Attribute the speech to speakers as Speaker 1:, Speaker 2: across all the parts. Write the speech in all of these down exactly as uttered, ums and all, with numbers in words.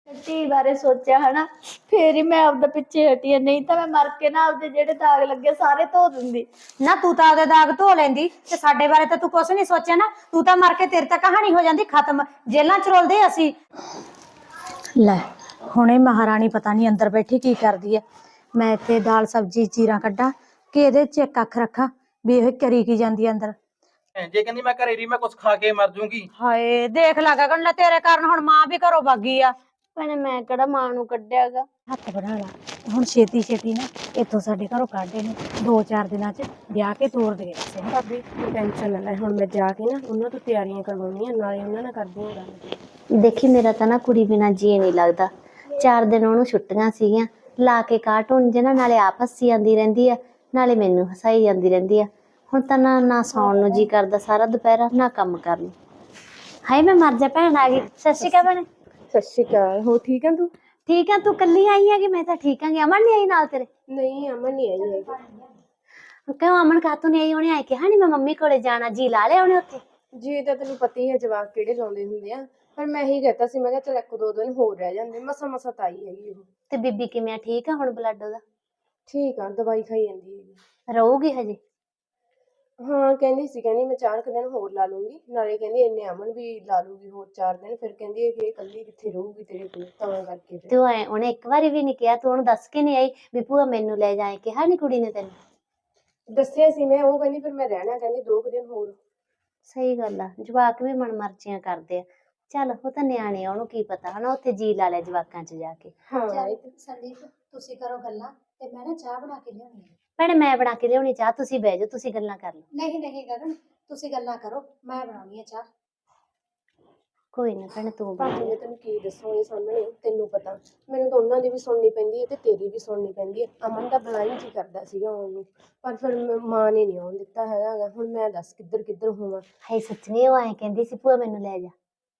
Speaker 1: ਧੀ ਬਾਰੇ ਸੋਚਿਆ ਹਨਾ, ਫੇਰ ਹੀ ਮੈਂ ਆਪਦਾ ਪਿੱਛੇ ਹਟੀ ਆ, ਨਹੀਂ ਤਾਂ ਮੈਂ ਮਰ ਕੇ ਨਾ ਆਪਦੇ ਜਿਹੜੇ ਦਾਗ ਲੱਗੇ ਸਾਰੇ ਧੋ ਦਿੰਦੀ।
Speaker 2: ਨਾ ਤੂੰ ਤਾਂ ਆਪਦੇ ਦਾਗ ਧੋ ਲੈਂਦੀ ਤੇ ਸਾਡੇ ਬਾਰੇ ਤਾਂ ਤੂੰ ਕੁਛ ਨਹੀਂ ਸੋਚਿਆ ਨਾ। ਤੂੰ ਤਾਂ ਮਰ ਕੇ ਤੇਰੀ ਤਾਂ ਕਹਾਣੀ ਹੋ ਜਾਂਦੀ ਖਤਮ, ਜੇਲਾਂ ਚ ਰੋਲਦੇ ਅਸੀਂ। ਲੈ ਹੁਣੇ ਮਹਾਰਾਣੀ ਪਤਾ ਨਹੀਂ ਅੰਦਰ ਬੈਠੀ ਕੀ ਕਰਦੀ ਐ। ਮੈਂ ਇੱਥੇ ਦਾਲ ਸਬਜ਼ੀ ਚੀਰਾ ਕੱਢਾਂ ਕਿ ਇਹਦੇ ਚ ਇੱਕ ਅੱਖ ਰੱਖਾਂ ਵੀ ਇਹ ਕਰੀ ਕੀ ਜਾਂਦੀ ਅੰਦਰ।
Speaker 3: ਜੇ ਕਹਿੰਦੀ ਮੈਂ ਘਰੇ ਰਹੀ ਮੈਂ ਕੁਛ ਖਾ ਕੇ ਮਰ ਜੂੰਗੀ।
Speaker 2: ਹਾਏ ਦੇਖ ਲਾ ਗਗਨ, ਲੈ ਤੇਰੇ ਕਾਰਨ ਹੁਣ ਮਾਂ ਵੀ ਘਰੋਂ ਭਾਗੀ ਆ।
Speaker 1: ਭੈਣੇ ਮੈਂ ਕਿਹੜਾ ਮਾਂ ਨੂੰ ਕੱਢਿਆਗਾ।
Speaker 2: ਹੱਥ ਬਣਾ ਲਾ ਹੁਣ ਛੇਤੀ ਛੇਤੀ ਨਾ ਇੱਥੋਂ ਸਾਡੇ ਘਰੋਂ ਕੱਢੇ ਨੇ, ਦੋ ਚਾਰ ਦਿਨਾਂ ਚ ਵਿਆਹ ਕੇ ਤੋਰ ਦੇ ਕਿਸੇ ਨੂੰ।
Speaker 4: ਭਾਬੀ ਤੂੰ ਟੈਨਸ਼ਨ ਨਾ ਲੈ, ਹੁਣ ਮੈਂ ਜਾ ਕੇ ਨਾ ਉਹਨਾਂ ਤੋਂ ਤਿਆਰੀਆਂ ਕਰਵਾਉਣੀਆਂ, ਨਾਲੇ ਉਹਨਾਂ ਨਾਲ ਕਰਦੀ ਹਾਂ ਗੱਲ।
Speaker 1: ਦੇਖੀ ਮੇਰਾ ਤਾਂ ਨਾ ਕੁੜੀ ਬਿਨਾਂ ਜੀ ਨਹੀਂ ਲੱਗਦਾ। ਚਾਰ ਦਿਨ ਉਹਨੂੰ ਛੁੱਟੀਆਂ ਸੀਗੀਆਂ, ਲਾ ਕੇ ਕਾਰਟੂਨ ਜਿਹਨਾਂ ਨਾਲੇ ਆਪ ਹੱਸੀ ਜਾਂਦੀ ਰਹਿੰਦੀ ਆ, ਨਾਲੇ ਮੈਨੂੰ ਹਸਾਈ ਜਾਂਦੀ ਰਹਿੰਦੀ ਆ। ਹੁਣ ਤਾਂ ਨਾ ਨਾ ਸੌਣ ਨੂੰ ਜੀ ਕਰਦਾ ਸਾਰਾ ਦੁਪਹਿਰਾ, ਨਾ ਕੰਮ ਕਰਨ ਨੂੰ। ਹਾਏ ਮੈਂ ਮਰ ਜਾ, ਭੈਣ ਆ ਗਈ। ਸਤਿ ਸ਼੍ਰੀ ਅਕਾਲ ਭੈਣੇ।
Speaker 4: ਸਤਿ ਸ਼੍ਰੀ ਅਕਾਲ। ਹੋ ਠੀਕ ਆ ਤੂੰ?
Speaker 1: ਠੀਕ ਆ, ਤੂੰ ਕੱਲੀ ਆਈ ਹੈਗੀ? ਮੈਂ ਤਾਂ ਠੀਕ ਆਂਗੀ। ਅਮਨ ਨੀ ਆਈ ਨਾਲ ਤੇਰੇ?
Speaker 4: ਨਹੀਂ ਅਮਨ ਨਹੀਂ ਆਈ ਹੈਗੀ।
Speaker 1: ਕਿਉਂ ਅਮਨ ਕਾਤੋਂ ਨੀ ਆਈ? ਉਹਨੇ ਆਏ ਕਿਹਾ ਨੀ ਮੈਂ ਮੰਮੀ ਕੋਲੇ ਜਾਣਾ, ਜੀ ਲਾ ਲਿਆ ਉਹਨੇ ਉੱਥੇ?
Speaker 4: ਜੀ ਤਾਂ ਤੈਨੂੰ ਪਤਾ ਹੀ ਹੈ ਜਵਾਕ ਕਿਹੜੇ ਲਾਉਂਦੇ ਹੁੰਦੇ ਆ, ਪਰ ਮੈਂ ਇਹੀ ਕਹਤਾ ਸੀ, ਮੈਂ ਕਿਹਾ ਚਲ ਇੱਕ ਦੋ ਦਿਨ ਹੋਰ ਰਹਿ ਜਾਂਦੇ। ਮਸਾ ਮਸਾ ਤਾਂ ਆਈ ਹੈਗੀ ਉਹ।
Speaker 1: ਤੇ ਬੀਬੀ ਕਿਵੇਂ ਆ? ਠੀਕ ਆ ਹੁਣ ਬਲੱਡ ਉਹਦਾ?
Speaker 4: ਠੀਕ ਆ, ਦਵਾਈ ਖਾਈ ਜਾਂਦੀ ਹੈਗੀ।
Speaker 1: ਰਹੂਗੀ ਹਜੇ?
Speaker 4: ਹਾਂ ਕਹਿੰਦੀ ਸੀ, ਕਹਿੰਦੀ ਮੈਂ ਚਾਰ ਕੁ ਦਿਨ ਹੋਰ ਲਾ ਲੂੰਗੀ, ਨਾਲੇ ਕਹਿੰਦੀ ਇੰਨੇ ਅਮਨ ਵੀ ਲਾ ਲੂਗੀ ਹੋਰ ਚਾਰ ਦਿਨ। ਫਿਰ ਕਹਿੰਦੀ ਇਹ ਇਕੱਲੀ ਕਿੱਥੇ ਰਹੂਗੀ ਤੇਰੇ ਕੋਲ, ਤਾਂ ਕਰਕੇ ਫਿਰ।
Speaker 1: ਤੂੰ ਐ ਉਹਨੇ ਇੱਕ ਵਾਰੀ ਵੀ ਨੀ ਕਿਹਾ? ਤੂੰ ਉਹਨੂੰ ਦੱਸ ਕੇ ਨੀ ਆਈ ਵੀ ਭੂਆ ਮੈਨੂੰ ਲੈ ਜਾਏ? ਕਿਹਾ ਨੀ ਕੁੜੀ ਨੇ ਤੈਨੂੰ?
Speaker 4: ਦੱਸਿਆ ਸੀ ਮੈਂ, ਉਹ ਕਹਿੰਦੀ ਫਿਰ ਮੈਂ ਰਹਿਣਾ, ਕਹਿੰਦੀ ਦੋ ਕੁ ਦਿਨ ਹੋਰ।
Speaker 1: ਸਹੀ ਗੱਲ ਆ, ਜਵਾਕ ਵੀ ਮਨਮਰਜ਼ੀਆਂ ਕਰਦੇ ਆ। ਚੱਲ ਉਹ ਤਾਂ ਨਿਆਣੇ ਆ, ਉਹਨੂੰ ਕੀ ਪਤਾ ਹਨਾ, ਉੱਥੇ ਜੀ ਲਾ ਲਿਆ ਜਵਾਕਾਂ ਚ ਜਾ ਕੇ।
Speaker 4: ਹਾਂ
Speaker 2: ਸੰਦੀਪ ਤੁਸੀਂ ਕਰੋ ਗੱਲਾਂ ਤੇ ਮੈਂ ਨਾ ਚਾਹ ਬਣਾ ਕੇ ਲਿਆਉਣੀ ਹੈ।
Speaker 1: ਭੈਣੇ ਮੈਂ ਬਣਾ ਕੇ ਲਿਆਉਣੀ ਚਾਹ, ਤੁਸੀਂ ਬਹਿ ਜਾਓ, ਤੁਸੀਂ ਗੱਲਾਂ ਕਰ ਲਓ।
Speaker 2: ਨਹੀਂ ਨਹੀਂ ਗਗਨ ਤੁਸੀਂ ਗੱਲਾਂ ਕਰੋ, ਮੈਂ ਬਣਾਉਣੀ ਹੈ ਚਾਹ।
Speaker 1: ਕੋਈ ਨਾ ਭੈਣੇ ਤੂੰ ਬਣਾ
Speaker 4: ਭਾਬੀ
Speaker 1: ਲੈ।
Speaker 4: ਮੈਂ ਤੈਨੂੰ ਕੀ ਦੱਸਾਂ ਇਹ ਸਾਹਮਣੇ, ਤੈਨੂੰ ਪਤਾ ਮੈਨੂੰ ਤਾਂ ਉਹਨਾਂ ਦੀ ਵੀ ਸੁਣਨੀ ਪੈਂਦੀ ਹੈ ਤੇ ਤੇਰੀ ਵੀ ਸੁਣਨੀ ਪੈਂਦੀ ਹੈ। ਅਮਨ ਦਾ ਬਲਾਈਂ ਜੀ ਕਰਦਾ ਸੀਗਾ ਉਹਨੂੰ, ਪਰ ਫਿਰ ਮ- ਮਾਂ ਨੇ ਨਹੀਂ ਆਉਣ ਦਿੱਤਾ ਹੈਗਾ। ਹੁਣ ਮੈਂ ਦੱਸ ਕਿੱਧਰ ਕਿੱਧਰ ਹੋਵਾਂ।
Speaker 1: ਹਾਏ ਸੱਚੀ ਉਹ ਐਂ ਕਹਿੰਦੀ ਸੀ ਭੂਆ ਮੈਨੂੰ ਲੈ ਜਾ?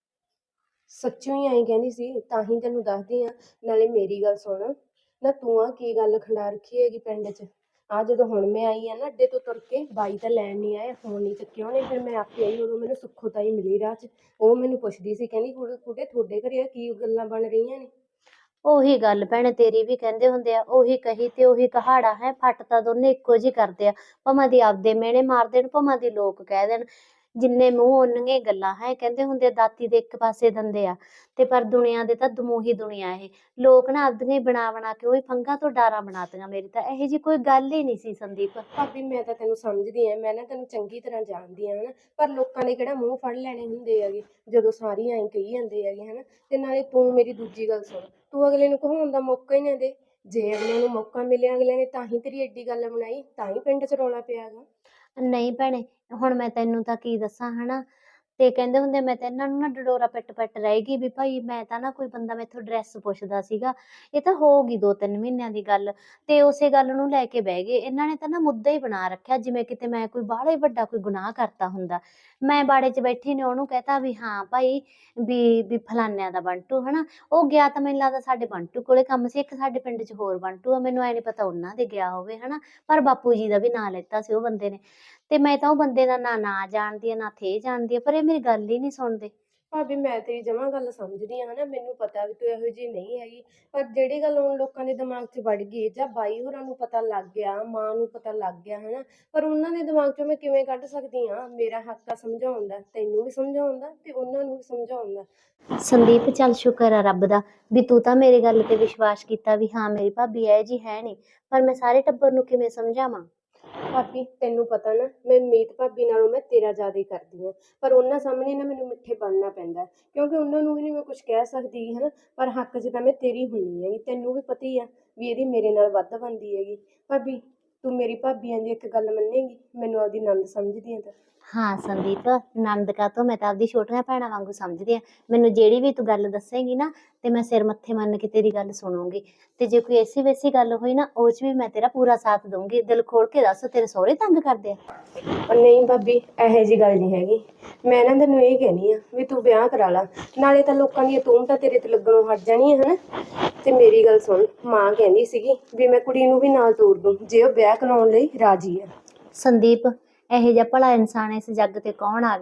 Speaker 4: ਸੱਚੋਂ ਹੀ ਆਈ ਕਹਿੰਦੀ ਸੀ, ਤਾਂ ਹੀ ਤੈਨੂੰ ਦੱਸਦੀ ਆ। ਨਾਲੇ ਮੇਰੀ ਗੱਲ ਸੁਣ, ਨਾ ਤੂੰ ਆ ਕੀ ਗੱਲ ਖੰਡਾ ਰੱਖੀ ਹੈਗੀ ਪਿੰਡ 'ਚ? ਆ ਜਦੋਂ ਹੁਣ ਮੈਂ ਆਈ ਆ ਨਾ ਅੱਡੇ ਤੋਂ ਤੁਰ ਕੇ, ਬਾਈ ਤਾਂ ਲੈਣ ਨਹੀਂ ਆਇਆ, ਫੋਨ ਨਹੀਂ ਚੱਕਿਆ ਉਹਨੇ। ਫਿਰ ਮੈਂ ਆਪੇ ਆਈ, ਉਦੋਂ ਮੈਨੂੰ ਸੁੱਖੋ ਤਾਈ ਮਿਲੀ ਰਾਹ 'ਚ। ਉਹ ਮੈਨੂੰ ਪੁੱਛਦੀ ਸੀ, ਕਹਿੰਦੀ ਕੁੜੇ ਕੁੜੇ ਤੁਹਾਡੇ ਘਰੇ ਆ ਕੀ ਗੱਲਾਂ ਬਣ ਰਹੀਆਂ ਨੇ?
Speaker 1: ਉਹੀ ਗੱਲ ਭੈਣੇ ਤੇਰੀ ਵੀ ਕਹਿੰਦੇ ਹੁੰਦੇ ਆ, ਉਹੀ ਕਹੀ ਤੇ ਉਹੀ ਕਹਾੜਾ ਹੈ। ਫੱਟ ਤਾਂ ਦੋਨੇ ਇੱਕੋ ਜਿਹੀ ਕਰਦੇ ਆ, ਭਾਵੇਂ ਦੀ ਆਪਦੇ ਮਿਹਣੇ ਮਾਰ ਦੇਣ, ਭਾਵੇਂ ਦੀ ਲੋਕ ਕਹਿ ਦੇਣ। ਜਿੰਨੇ ਮੂੰਹ ਓਨੀਆਂ ਗੱਲਾਂ ਹੈ। ਕਹਿੰਦੇ ਹੁੰਦੇ ਦਾਤੀ ਦੇ ਇੱਕ ਪਾਸੇ ਦੰਦੇ ਆ, ਤੇ ਪਰ ਦੁਨੀਆ ਦੇ ਤਾਂ ਦਮੂਹੀ ਦੁਨੀਆ ਇਹ। ਲੋਕ ਨਾ ਆਪਦੀਆਂ ਹੀ ਬਣਾ ਬਣਾ ਕੇ ਉਹੀ ਫੰਗਾਂ ਤੋਂ ਡਾਰਾਂ ਬਣਾਤੀਆਂ। ਮੇਰੀ ਤਾਂ ਇਹੋ ਜਿਹੀ ਕੋਈ ਗੱਲ ਹੀ ਨਹੀਂ ਸੀ ਸੰਦੀਪ।
Speaker 4: ਭਾਬੀ ਮੈਂ ਤਾਂ ਤੈਨੂੰ ਸਮਝਦੀ ਆ, ਮੈਂ ਨਾ ਤੈਨੂੰ ਚੰਗੀ ਤਰ੍ਹਾਂ ਜਾਣਦੀ ਆ ਹਨਾ, ਪਰ ਲੋਕਾਂ ਨੇ ਕਿਹੜਾ ਮੂੰਹ ਫੜ ਲੈਣੇ ਹੁੰਦੇ ਹੈਗੇ ਜਦੋਂ ਸਾਰੀ ਐਂ ਕਹੀ ਜਾਂਦੇ ਹੈਗੇ ਹਨਾ। ਤੇ ਨਾਲੇ ਤੂੰ ਮੇਰੀ ਦੂਜੀ ਗੱਲ ਸੁਣ, ਤੂੰ ਅਗਲੇ ਨੂੰ ਕਹਾਉਣ ਦਾ ਮੌਕਾ ਹੀ ਨਾ ਦੇ। ਜੇ ਅਗਲੇ ਨੂੰ ਮੌਕਾ ਮਿਲਿਆ, ਅਗਲੇ ਨੇ ਤਾਂ ਹੀ ਤੇਰੀ ਐਡੀ ਗੱਲ ਬਣਾਈ, ਤਾਂ ਹੀ ਪਿੰਡ 'ਚ ਰੌਲਾ ਪਿਆ ਗਾ।
Speaker 1: ਨਹੀਂ ਭੈਣੇ ਹੁਣ ਮੈਂ ਤੈਨੂੰ ਤਾਂ ਕੀ ਦੱਸਾਂ ਹਨਾ। ਤੇ ਕਹਿੰਦੇ ਹੁੰਦੇ ਮੈਂ ਤਾਂ ਇਹਨਾਂ ਨੂੰ ਨਾ ਡਡੋਰਾ ਪਿੱਟ ਪਿੱਟ ਰਹੇਗੀ ਵੀ ਭਾਈ ਮੈਂ ਤਾਂ ਨਾ ਕੋਈ ਬੰਦਾ ਮੈਥੋਂ ਡਰੈਸ ਪੁੱਛਦਾ ਸੀਗਾ। ਇਹ ਤਾਂ ਹੋਊਗੀ ਦੋ ਤਿੰਨ ਮਹੀਨਿਆਂ ਦੀ ਗੱਲ, ਤੇ ਉਸੇ ਗੱਲ ਨੂੰ ਲੈ ਕੇ ਬਹਿ ਗਏ। ਇਹਨਾਂ ਨੇ ਤਾਂ ਨਾ ਮੁੱਦਾ ਹੀ ਬਣਾ ਰੱਖਿਆ ਜਿਵੇਂ ਕਿਤੇ ਮੈਂ ਕੋਈ ਬਾਹਲਾ ਹੀ ਵੱਡਾ ਕੋਈ ਗੁਨਾਹ ਕਰਤਾ ਹੁੰਦਾ। ਮੈਂ ਬਾੜੇ 'ਚ ਬੈਠੀ ਨੇ ਉਹਨੂੰ ਕਹਤਾ ਵੀ ਹਾਂ ਭਾਈ ਵੀ ਵੀ ਫਲਾਨਿਆਂ ਦਾ ਬੰਟੂ ਹਨਾ। ਉਹ ਗਿਆ ਤਾਂ ਮੈਨੂੰ ਲੱਗਦਾ ਸਾਡੇ ਬੰਟੂ ਕੋਲੇ ਕੰਮ ਸੀ। ਇੱਕ ਸਾਡੇ ਪਿੰਡ 'ਚ ਹੋਰ ਬੰਟੂ ਆ, ਮੈਨੂੰ ਐ ਨੀ ਪਤਾ ਉਹਨਾਂ ਦੇ ਗਿਆ ਹੋਵੇ ਹਨਾ। ਪਰ ਬਾਪੂ ਜੀ ਦਾ ਵੀ ਨਾਂ ਲੈਤਾ ਸੀ ਉਹ ਬੰਦੇ ਨੇ, ਤੇ ਮੈਂ ਤਾਂ ਉਹ ਬੰਦੇ ਦਾ ਨਾ ਨਾਂ ਜਾਣਦੀ ਆ ਨਾ ਥੇ ਜਾਣਦੀ ਆ, ਪਰ ਇਹ ਮੇਰੀ ਗੱਲ ਹੀ ਨਹੀਂ ਸੁਣਦੇ।
Speaker 4: ਭਾਬੀ ਮੈਂ ਤੇਰੀ ਜਮਾਂ ਗੱਲ ਸਮਝਦੀ ਆ ਹਨਾ, ਮੈਨੂੰ ਪਤਾ ਵੀ ਤੂੰ ਇਹੋ ਜਿਹੀ ਨਹੀਂ ਹੈਗੀ, ਪਰ ਜਿਹੜੀ ਗੱਲ ਹੁਣ ਲੋਕਾਂ ਦੇ ਦਿਮਾਗ 'ਚ ਵੜ ਗਈ, ਜਾਂ ਬਾਈ ਹੋਰਾਂ ਨੂੰ ਪਤਾ ਲੱਗ ਗਿਆ, ਮਾਂ ਨੂੰ ਪਤਾ ਲੱਗ ਗਿਆ ਹਨਾ, ਪਰ ਉਹਨਾਂ ਦੇ ਦਿਮਾਗ 'ਚੋਂ ਮੈਂ ਕਿਵੇਂ ਕੱਢ ਸਕਦੀ ਆ? ਮੇਰਾ ਹੱਕ ਆ ਸਮਝਾਉਣ ਦਾ, ਤੈਨੂੰ ਵੀ ਸਮਝਾਉਣ ਦਾ ਤੇ ਉਹਨਾਂ ਨੂੰ ਵੀ ਸਮਝਾਉਣ ਦਾ।
Speaker 1: ਸੰਦੀਪ ਚੱਲ ਸ਼ੁਕਰ ਆ ਰੱਬ ਦਾ ਵੀ ਤੂੰ ਤਾਂ ਮੇਰੀ ਗੱਲ ਤੇ ਵਿਸ਼ਵਾਸ ਕੀਤਾ ਵੀ ਹਾਂ ਮੇਰੀ ਭਾਬੀ ਇਹ ਜੀ ਹੈ ਨਹੀਂ, ਪਰ ਮੈਂ ਸਾਰੇ ਟੱਬਰ ਨੂੰ ਕਿਵੇਂ ਸਮਝਾਵਾਂ?
Speaker 4: ਭਾਬੀ ਤੈਨੂੰ ਪਤਾ ਨਾ, ਮੈਂ ਮੀਤ ਭਾਬੀ ਨਾਲੋਂ ਮੈਂ ਤੇਰਾ ਜ਼ਿਆਦਾ ਹੀ ਕਰਦੀ ਹਾਂ, ਪਰ ਉਹਨਾਂ ਸਾਹਮਣੇ ਨਾ ਮੈਨੂੰ ਮਿੱਠੇ ਬਣਨਾ ਪੈਂਦਾ, ਕਿਉਂਕਿ ਉਹਨਾਂ ਨੂੰ ਵੀ ਨਹੀਂ ਮੈਂ ਕੁਝ ਕਹਿ ਸਕਦੀ ਹਨਾ। ਪਰ ਹੱਕ 'ਚ ਤਾਂ ਮੈਂ ਤੇਰੀ ਹੁੰਦੀ ਹੈਗੀ, ਤੈਨੂੰ ਵੀ ਪਤਾ ਹੀ ਆ ਵੀ ਇਹਦੀ ਮੇਰੇ ਨਾਲ ਵੱਧ ਬਣਦੀ ਹੈਗੀ। ਭਾਬੀ ਤੂੰ ਮੇਰੀ ਭਾਬੀਆਂ ਦੀ ਇੱਕ ਗੱਲ ਮੰਨੇਗੀ? ਮੈਨੂੰ ਆਪਦੀ ਨੰਦ ਸਮਝਦੀ ਆ ਤਾਂ?
Speaker 1: ਹਾਂ ਸੰਦੀਪ ਨੰਦ ਕਾਤੋਂ, ਮੈਂ ਤਾਂ ਆਪਦੀ ਛੋਟੀਆਂ ਭੈਣਾਂ ਵਾਂਗੂ ਸਮਝਦੀ ਆ। ਮੈਨੂੰ ਜਿਹੜੀ ਵੀ ਤੂੰ ਗੱਲ ਦੱਸੇਂਗੀ ਨਾ ਤੇ ਮੈਂ ਸਿਰ ਮੱਥੇ ਮੰਨ ਕੇ ਤੇਰੀ ਗੱਲ ਸੁਣੂੰਗੀ, ਤੇ ਜੇ ਕੋਈ ਐਸੀ ਵੈਸੀ ਗੱਲ ਹੋਈ ਨਾ ਉਹ 'ਚ ਵੀ ਮੈਂ ਤੇਰਾ ਪੂਰਾ ਸਾਥ ਦਊਂਗੀ। ਦਿਲ ਖੋਲ ਕੇ ਦੱਸ, ਤੇਰੇ ਸਹੁਰੇ ਤੰਗ ਕਰਦੇ ਆ?
Speaker 4: ਨਹੀਂ ਭਾਬੀ ਇਹੋ ਜਿਹੀ ਗੱਲ ਨਹੀਂ ਹੈਗੀ। ਮੈਂ ਨਾ ਤੈਨੂੰ ਇਹ ਕਹਿਣੀ ਆ ਵੀ ਤੂੰ ਵਿਆਹ ਕਰਾ ਲਾ, ਨਾਲੇ ਤਾਂ ਲੋਕਾਂ ਦੀਆਂ ਤੂਮਤਾਂ ਤੇਰੇ ਤੇ ਲੱਗਣੋਂ ਹਟ ਜਾਣੀਆਂ ਹਨਾ। ਤੇ ਮੇਰੀ ਗੱਲ ਸੁਣ, ਮਾਂ ਕਹਿੰਦੀ ਸੀਗੀ ਵੀ ਮੈਂ ਕੁੜੀ ਨੂੰ ਵੀ ਨਾਲ ਤੋਰ ਦੂੰ ਜੇ ਉਹ ਵਿਆਹ ਕਰਾਉਣ ਲਈ ਰਾਜੀ ਆ।
Speaker 1: ਸੰਦੀਪ ਇਹੋ ਜਿਹਾ ਭਲਾ ਇਨਸਾਨ ਇਸ ਜੱਗ ਤੇ ਕੌਣ ਆ ਗਿਆ